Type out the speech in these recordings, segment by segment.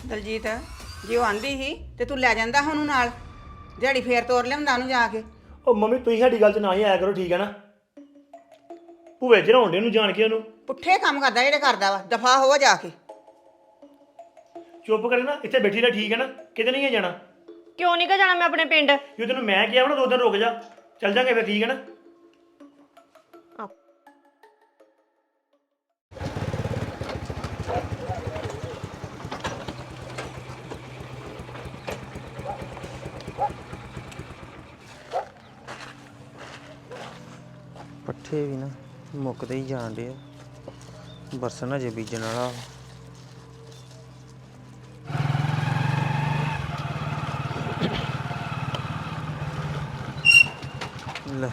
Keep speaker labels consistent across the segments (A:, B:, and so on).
A: ਦਲਜੀਤ ਜੇ ਉਹ ਆਂਦੀ ਸੀ ਤੇ ਤੂੰ ਲੈ ਜਾਂਦਾ ਉਹਨੂੰ ਨਾਲ ਦਿਹਾੜੀ ਫੇਰ ਤੋਰ ਲਿਆਉਂਦਾ ਉਹਨੂੰ ਜਾ ਕੇ।
B: ਉਹ ਮੰਮੀ ਤੁਸੀਂ ਸਾਡੀ ਗੱਲ 'ਚ ਨਾ ਹੀ ਆਇਆ ਕਰੋ, ਠੀਕ ਹੈ ਨਾ। ਭੂਵੇ ਚੜਾਉਂਦੇ ਨੂੰ ਜਾਣ ਕੇ ਉਹਨੂੰ।
A: ਪੁੱਠੇ ਕੰਮ ਕਰਦਾ ਜਿਹੜੇ ਕਰਦਾ ਵਾ, ਦਫਾ ਹੋ ਜਾ ਕੇ।
B: ਚੁੱਪ ਕਰੇ ਨਾ, ਇੱਥੇ ਬੈਠੀ ਰਹਿ, ਠੀਕ ਹੈ ਨਾ, ਕਿਤੇ ਨਹੀਂ ਹੈ ਜਾਣਾ।
C: ਕਿਉਂ ਨਹੀਂ ਗਾ ਜਾਣਾ ਮੈਂ ਆਪਣੇ ਪਿੰਡ?
B: ਜੇ ਤੈਨੂੰ ਮੈਂ ਕਿਹਾ ਵਾ ਨਾ 2 ਦਿਨ ਰੁਕ ਜਾ, ਚੱਲ ਜਾਂਗੇ ਫਿਰ, ਠੀਕ ਹੈ ਨਾ।
D: ਪੱਠੇ ਵੀ ਨਾ ਮੁੱਕਦੇ ਹੀ ਜਾਣ ਡੇ ਆ, ਬਰਸਨ ਅਜੇ ਬੀਜਣ ਵਾਲਾ। ਲੈ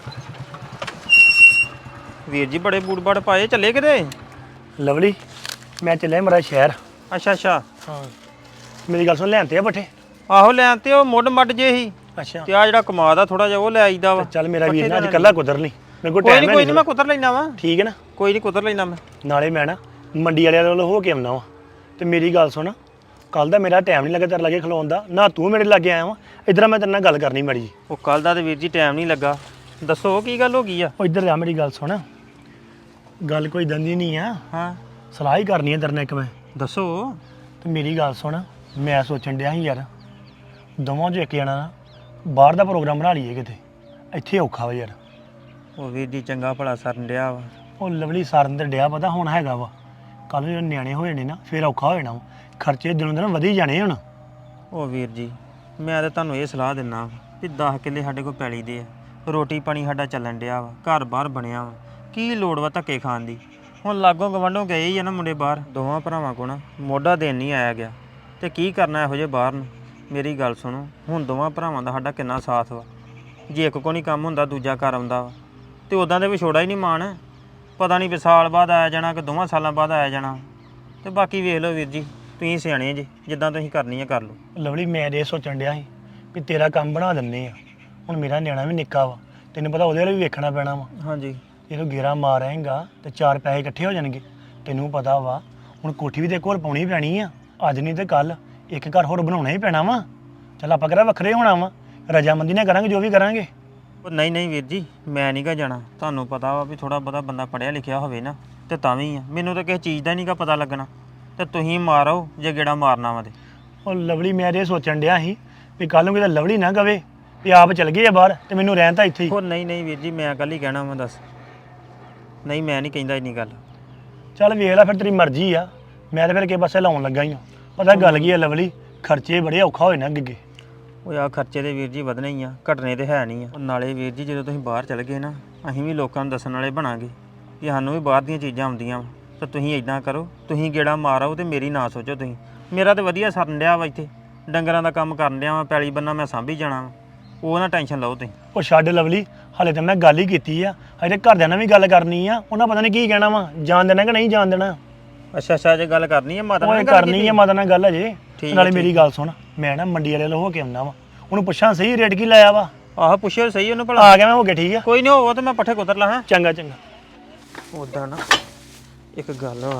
D: ਵੀਰ ਜੀ ਬੜੇ ਬੂਟ ਬਾੜ ਪਾਏ, ਚੱਲੇ ਕਿਤੇ?
B: ਲਵਲੀ ਮੈਂ ਚੱਲਿਆ ਮੇਰਾ ਸ਼ਹਿਰ।
D: ਅੱਛਾ ਅੱਛਾ।
B: ਹਾਂ ਮੇਰੀ ਗੱਲ ਸੁਣ, ਲੈਣ ਆ ਪੱਠੇ?
D: ਆਹੋ ਲੈਣ ਤੇ ਉਹ ਮੁੱਢ ਮੱਡ ਜੇ ਹੀ,
B: ਅੱਛਾ
D: ਤੇ ਆ ਜਿਹੜਾ ਕਮਾਦ ਆ ਥੋੜਾ ਜਿਹਾ ਉਹ ਲੈ ਆਈਦਾ ਵਾ।
B: ਚੱਲ ਮੇਰਾ ਵੀਰ ਨਾ ਅੱਜ ਕੱਲਾ ਕੁਦਰ ਨਹੀਂ, ਮੇਰੇ ਕੋਲ
D: ਕੋਈ
B: ਟਾਈਮ
D: ਨਹੀਂ
B: ਹੈ
D: ਮੈਂ ਕੁਤਰ ਲੈਣਾ ਵਾ।
B: ਠੀਕ ਹੈ ਨਾ।
D: ਕੋਈ ਨਹੀਂ ਕੁਤਰ ਲੈਣਾ ਮੈਂ।
B: ਨਾਲੇ ਮੈਂ ਨਾ ਮੰਡੀ ਵਾਲਿਆਂ ਵੱਲ ਹੋ ਕੇ ਆਉਣਾ ਵਾ, ਤੇ ਮੇਰੀ ਗੱਲ ਸੁਣ, ਕੱਲ ਦਾ ਮੇਰਾ ਟਾਈਮ ਨਹੀਂ ਲੱਗਾ ਤੇਰੇ ਲਾਗੇ ਖਲੋਣ ਦਾ, ਨਾ ਤੂੰ ਮੇਰੇ ਲਾਗੇ ਆਇਆ ਵਾ। ਇੱਧਰ ਮੈਂ ਤੇਰੇ ਨਾਲ ਗੱਲ ਕਰਨੀ ਮਾੜੀ ਜੀ।
D: ਉਹ ਕੱਲ ਦਾ ਤੇ ਵੀਰ ਜੀ ਟਾਈਮ ਨਹੀਂ ਲੱਗਾ। ਦੱਸੋ ਕੀ ਗੱਲ ਹੋ ਗਈ ਆ?
B: ਉਹ ਇੱਧਰ ਆ, ਮੇਰੀ ਗੱਲ ਸੁਣ। ਗੱਲ ਕੋਈ ਦੰਦੀ ਨਹੀਂ ਆ,
D: ਹਾਂ
B: ਸਲਾਹ ਹੀ ਕਰਨੀ ਹੈ ਤੇਰੇ ਨਾਲ ਇੱਕ ਮੈਂ।
D: ਦੱਸੋ।
B: ਤੇ ਮੇਰੀ ਗੱਲ ਸੁਣ, ਮੈਂ ਸੋਚਣ ਡਿਆ ਸੀ ਯਾਰ, ਦੋਵਾਂ 'ਚੋਂ ਇੱਕ ਜਣਾ ਨਾ ਬਾਹਰ ਦਾ ਪ੍ਰੋਗਰਾਮ ਬਣਾ ਲਈਏ ਕਿਤੇ, ਇੱਥੇ ਔਖਾ ਵਾ ਯਾਰ।
D: ਉਹ ਵੀਰ ਜੀ ਚੰਗਾ ਭਲਾ ਸਰਨ ਡਿਆ ਵਾ।
B: ਉਹ ਲਵਲੀ ਸਾਰਨ ਤੇ ਡਿਆ ਪਤਾ ਹੁਣ ਹੈਗਾ ਵਾ, ਕੱਲ ਨੂੰ ਜਦੋਂ ਨਿਆਣੇ ਹੋ ਜਾਣੇ ਨਾ ਫਿਰ ਔਖਾ ਹੋ ਜਾਣਾ ਵਾ, ਖਰਚੇ ਦਿਨੋਂ ਦਿਨ ਵਧੀ ਜਾਣੇ ਹੁਣ।
D: ਉਹ ਵੀਰ ਜੀ ਮੈਂ ਤਾਂ ਤੁਹਾਨੂੰ ਇਹ ਸਲਾਹ ਦਿੰਦਾ ਵੀ 10 ਕਿੱਲੇ ਸਾਡੇ ਕੋਲ ਪੈਲੀ ਦੇ ਆ, ਰੋਟੀ ਪਾਣੀ ਸਾਡਾ ਚੱਲਣ ਡਿਆ ਵਾ, ਘਰ ਬਾਹਰ ਬਣਿਆ ਵਾ, ਕੀ ਲੋੜ ਵਾ ਧੱਕੇ ਖਾਣ ਦੀ। ਹੁਣ ਲਾਗੋਂ ਗਵਾਂਢੋਂ ਗਏ ਹੀ ਆ ਨਾ ਮੁੰਡੇ ਬਾਹਰ, ਦੋਵਾਂ ਭਰਾਵਾਂ ਕੋਲ ਨਾ ਮੋਢਾ ਦੇਣ ਨਹੀਂ ਆਇਆ ਗਿਆ, ਤੇ ਕੀ ਕਰਨਾ ਇਹੋ ਜਿਹੇ ਬਾਹਰ ਨੂੰ। ਮੇਰੀ ਗੱਲ ਸੁਣੋ, ਹੁਣ ਦੋਵਾਂ ਭਰਾਵਾਂ ਦਾ ਸਾਡਾ ਕਿੰਨਾ ਸਾਥ ਵਾ, ਜੇ ਇੱਕ ਕੋ ਨਹੀਂ ਕੰਮ ਹੁੰਦਾ ਦੂਜਾ ਕਰ ਆਉਂਦਾ ਵਾ, ਤੇ ਉੱਦਾਂ ਦੇ ਵਿਛੋੜਾ ਹੀ ਨਹੀਂ ਮਾਣ। ਪਤਾ ਨਹੀਂ ਵੀ ਸਾਲ ਬਾਅਦ ਆਇਆ ਜਾਣਾ ਕਿ 2 ਸਾਲਾਂ ਬਾਅਦ ਆਇਆ ਜਾਣਾ। ਤੇ ਬਾਕੀ ਵੇਖ ਲਓ ਵੀਰ ਜੀ, ਤੁਸੀਂ ਸਿਆਣੇ ਜੀ, ਜਿੱਦਾਂ ਤੁਸੀਂ ਕਰਨੀ ਆ ਕਰ ਲਓ।
B: ਲਵਲੀ ਮੈਂ ਇਹ ਸੋਚਣ ਡਿਆ ਸੀ ਵੀ ਤੇਰਾ ਕੰਮ ਬਣਾ ਦਿੰਦੇ ਆ, ਹੁਣ ਮੇਰਾ ਨਿਆਣਾ ਵੀ ਨਿੱਕਾ ਵਾ, ਤੈਨੂੰ ਪਤਾ ਉਹਦੇ ਲਈ ਵੀ ਵੇਖਣਾ ਪੈਣਾ ਵਾ।
D: ਹਾਂਜੀ
B: ਜਦੋਂ ਗੇਰਾ ਮਾਰ ਆਏਗਾ ਤੇ 4 ਪੈਸੇ ਇਕੱਠੇ ਹੋ ਜਾਣਗੇ। ਤੈਨੂੰ ਪਤਾ ਵਾ ਹੁਣ ਕੋਠੀ ਵੀ ਤੇ ਕੋਲ ਪਾਉਣੀ ਪੈਣੀ ਆ, ਅੱਜ ਨਹੀਂ ਤੇ ਕੱਲ ਇੱਕ ਘਰ ਹੋਰ ਬਣਾਉਣਾ ਹੀ ਪੈਣਾ ਵਾ। ਚੱਲ ਆਪਾਂ ਕਿਹੜਾ ਵੱਖਰੇ ਹੋਣਾ ਵਾ, ਰਜਾਮੰਦੀ ਨਾਲ ਕਰਾਂਗੇ ਜੋ ਵੀ ਕਰਾਂਗੇ।
D: ਉਹ ਨਹੀਂ ਵੀਰ ਜੀ ਮੈਂ ਨਹੀਂ ਗਾ ਜਾਣਾ, ਤੁਹਾਨੂੰ ਪਤਾ ਵਾ ਵੀ ਥੋੜਾ ਬਹੁਤਾ ਬੰਦਾ ਪੜ੍ਹਿਆ ਲਿਖਿਆ ਹੋਵੇ ਨਾ ਤੇ ਤਾਂ ਵੀ ਆ, ਮੈਨੂੰ ਤਾਂ ਕਿਸੇ ਚੀਜ਼ ਦਾ ਨਹੀਂ ਗਾ ਪਤਾ ਲੱਗਣਾ, ਤੇ ਤੁਸੀਂ ਮਾਰੋ ਜੇ ਗੇੜਾ ਮਾਰਨਾ ਵਾ ਤੇ।
B: ਉਹ ਲਵਲੀ ਮੈਂ ਇਹ ਸੋਚਣ ਡਿਆ ਸੀ ਵੀ ਕੱਲ ਨੂੰ ਕਿਤੇ ਲਵਲੀ ਨਾ ਕਵੇ ਵੀ ਆਪ ਚਲ ਗਏ ਆ ਬਾਹਰ ਤੇ ਮੈਨੂੰ ਰਹਿਣ ਤਾਂ ਇੱਥੇ ਹੀ।
D: ਉਹ ਨਹੀਂ ਵੀਰ ਜੀ ਮੈਂ ਕੱਲ ਹੀ ਕਹਿਣਾ ਵਾ, ਦੱਸ। ਨਹੀਂ ਮੈਂ ਨਹੀਂ ਕਹਿੰਦਾ ਇੰਨੀ ਗੱਲ।
B: ਚੱਲ ਵੇਖ ਲੈ ਫਿਰ, ਤੇਰੀ ਮਰਜ਼ੀ ਆ, ਮੈਂ ਤਾਂ ਫਿਰ ਕਿਸੇ ਪਾਸੇ ਲਾਉਣ ਲੱਗਾ ਹੀ ਆ। ਪਤਾ ਗੱਲ ਕੀ ਆ ਲਵਲੀ, ਖਰਚੇ ਬੜੇ ਔਖਾ ਹੋਏ ਨਾ ਅੱਗੇ।
D: ਉਹ ਆ ਖਰਚੇ ਦੇ ਵੀਰ ਜੀ ਵਧਣੇ ਹੀ ਆ, ਘਟਣੇ ਤੇ ਹੈ ਨਹੀਂ ਆ। ਉਹ ਨਾਲੇ ਵੀਰ ਜੀ ਜਦੋਂ ਤੁਸੀਂ ਬਾਹਰ ਚਲੇ ਗਏ ਨਾ, ਅਸੀਂ ਵੀ ਲੋਕਾਂ ਨੂੰ ਦੱਸਣ ਵਾਲੇ ਬਣਾਂਗੇ ਕਿ ਸਾਨੂੰ ਵੀ ਬਾਹਰ ਦੀਆਂ ਚੀਜ਼ਾਂ ਆਉਂਦੀਆਂ ਵਾ, ਤਾਂ ਤੁਸੀਂ ਇਦਾਂ ਕਰੋ, ਤੁਸੀਂ ਗੇੜਾ ਮਾਰੋ ਤੇ ਮੇਰੀ ਨਾ ਸੋਚੋ ਤੁਸੀਂ। ਮੇਰਾ ਤਾਂ ਵਧੀਆ ਸਰਨ ਡਿਆ ਵਾ, ਇੱਥੇ ਡੰਗਰਾਂ ਦਾ ਕੰਮ ਕਰਨ ਡਿਆ ਵਾ, ਪੈਲੀ ਬੰਨਾ ਮੈਂ ਸਾਂਭੀ ਜਾਣਾ ਵਾ, ਉਹ ਨਾ ਟੈਨਸ਼ਨ ਲਓ ਤੁਸੀਂ।
B: ਉਹ ਛੱਡ ਲਵਲੀ, ਹਾਲੇ ਤਾਂ ਮੈਂ ਗੱਲ ਹੀ ਕੀਤੀ ਆ, ਹਜੇ ਘਰਦਿਆਂ ਨਾਲ ਵੀ ਗੱਲ ਕਰਨੀ ਆ, ਉਹਨਾਂ ਪਤਾ ਨਹੀਂ ਕੀ ਕਹਿਣਾ ਵਾ, ਜਾਣ ਦੇਣਾ ਕਿ ਨਹੀਂ ਜਾਣ ਦੇਣਾ।
D: ਅੱਛਾ ਜੇ ਗੱਲ ਕਰਨੀ ਹੈ ਮਾਤਾ ਨਾਲ
B: ਉਹ ਕਰਨੀ ਆ ਮਾਤਾ ਨਾਲ ਗੱਲ ਅਜੇ।
D: ਠੀਕ
B: ਨਾਲੇ ਮੇਰੀ ਗੱਲ ਸੁਣ, ਮੈਂ ਨਾ ਮੰਡੀ ਵਾਲੇ ਵੱਲ ਹੋ ਕੇ ਆਉਣਾ ਵਾ, ਉਹਨੂੰ ਪੁੱਛਾਂ ਸਹੀ ਰੇਟ ਕੀ ਲਾਇਆ ਵਾ।
D: ਆਹ ਪੁੱਛਿਓ ਸਹੀ ਉਹਨੂੰ ਭਲਾ।
B: ਆ ਗਿਆ ਮੈਂ ਹੋ ਗਿਆ, ਠੀਕ ਆ।
D: ਕੋਈ ਨਹੀਂ ਹੋਊਗਾ ਤੇ ਮੈਂ ਪੱਠੇ ਕੁਤਰ ਲਾਂ।
B: ਚੰਗਾ ਚੰਗਾ।
D: ਉੱਦਾਂ ਨਾ ਇੱਕ ਗੱਲ ਵਾ,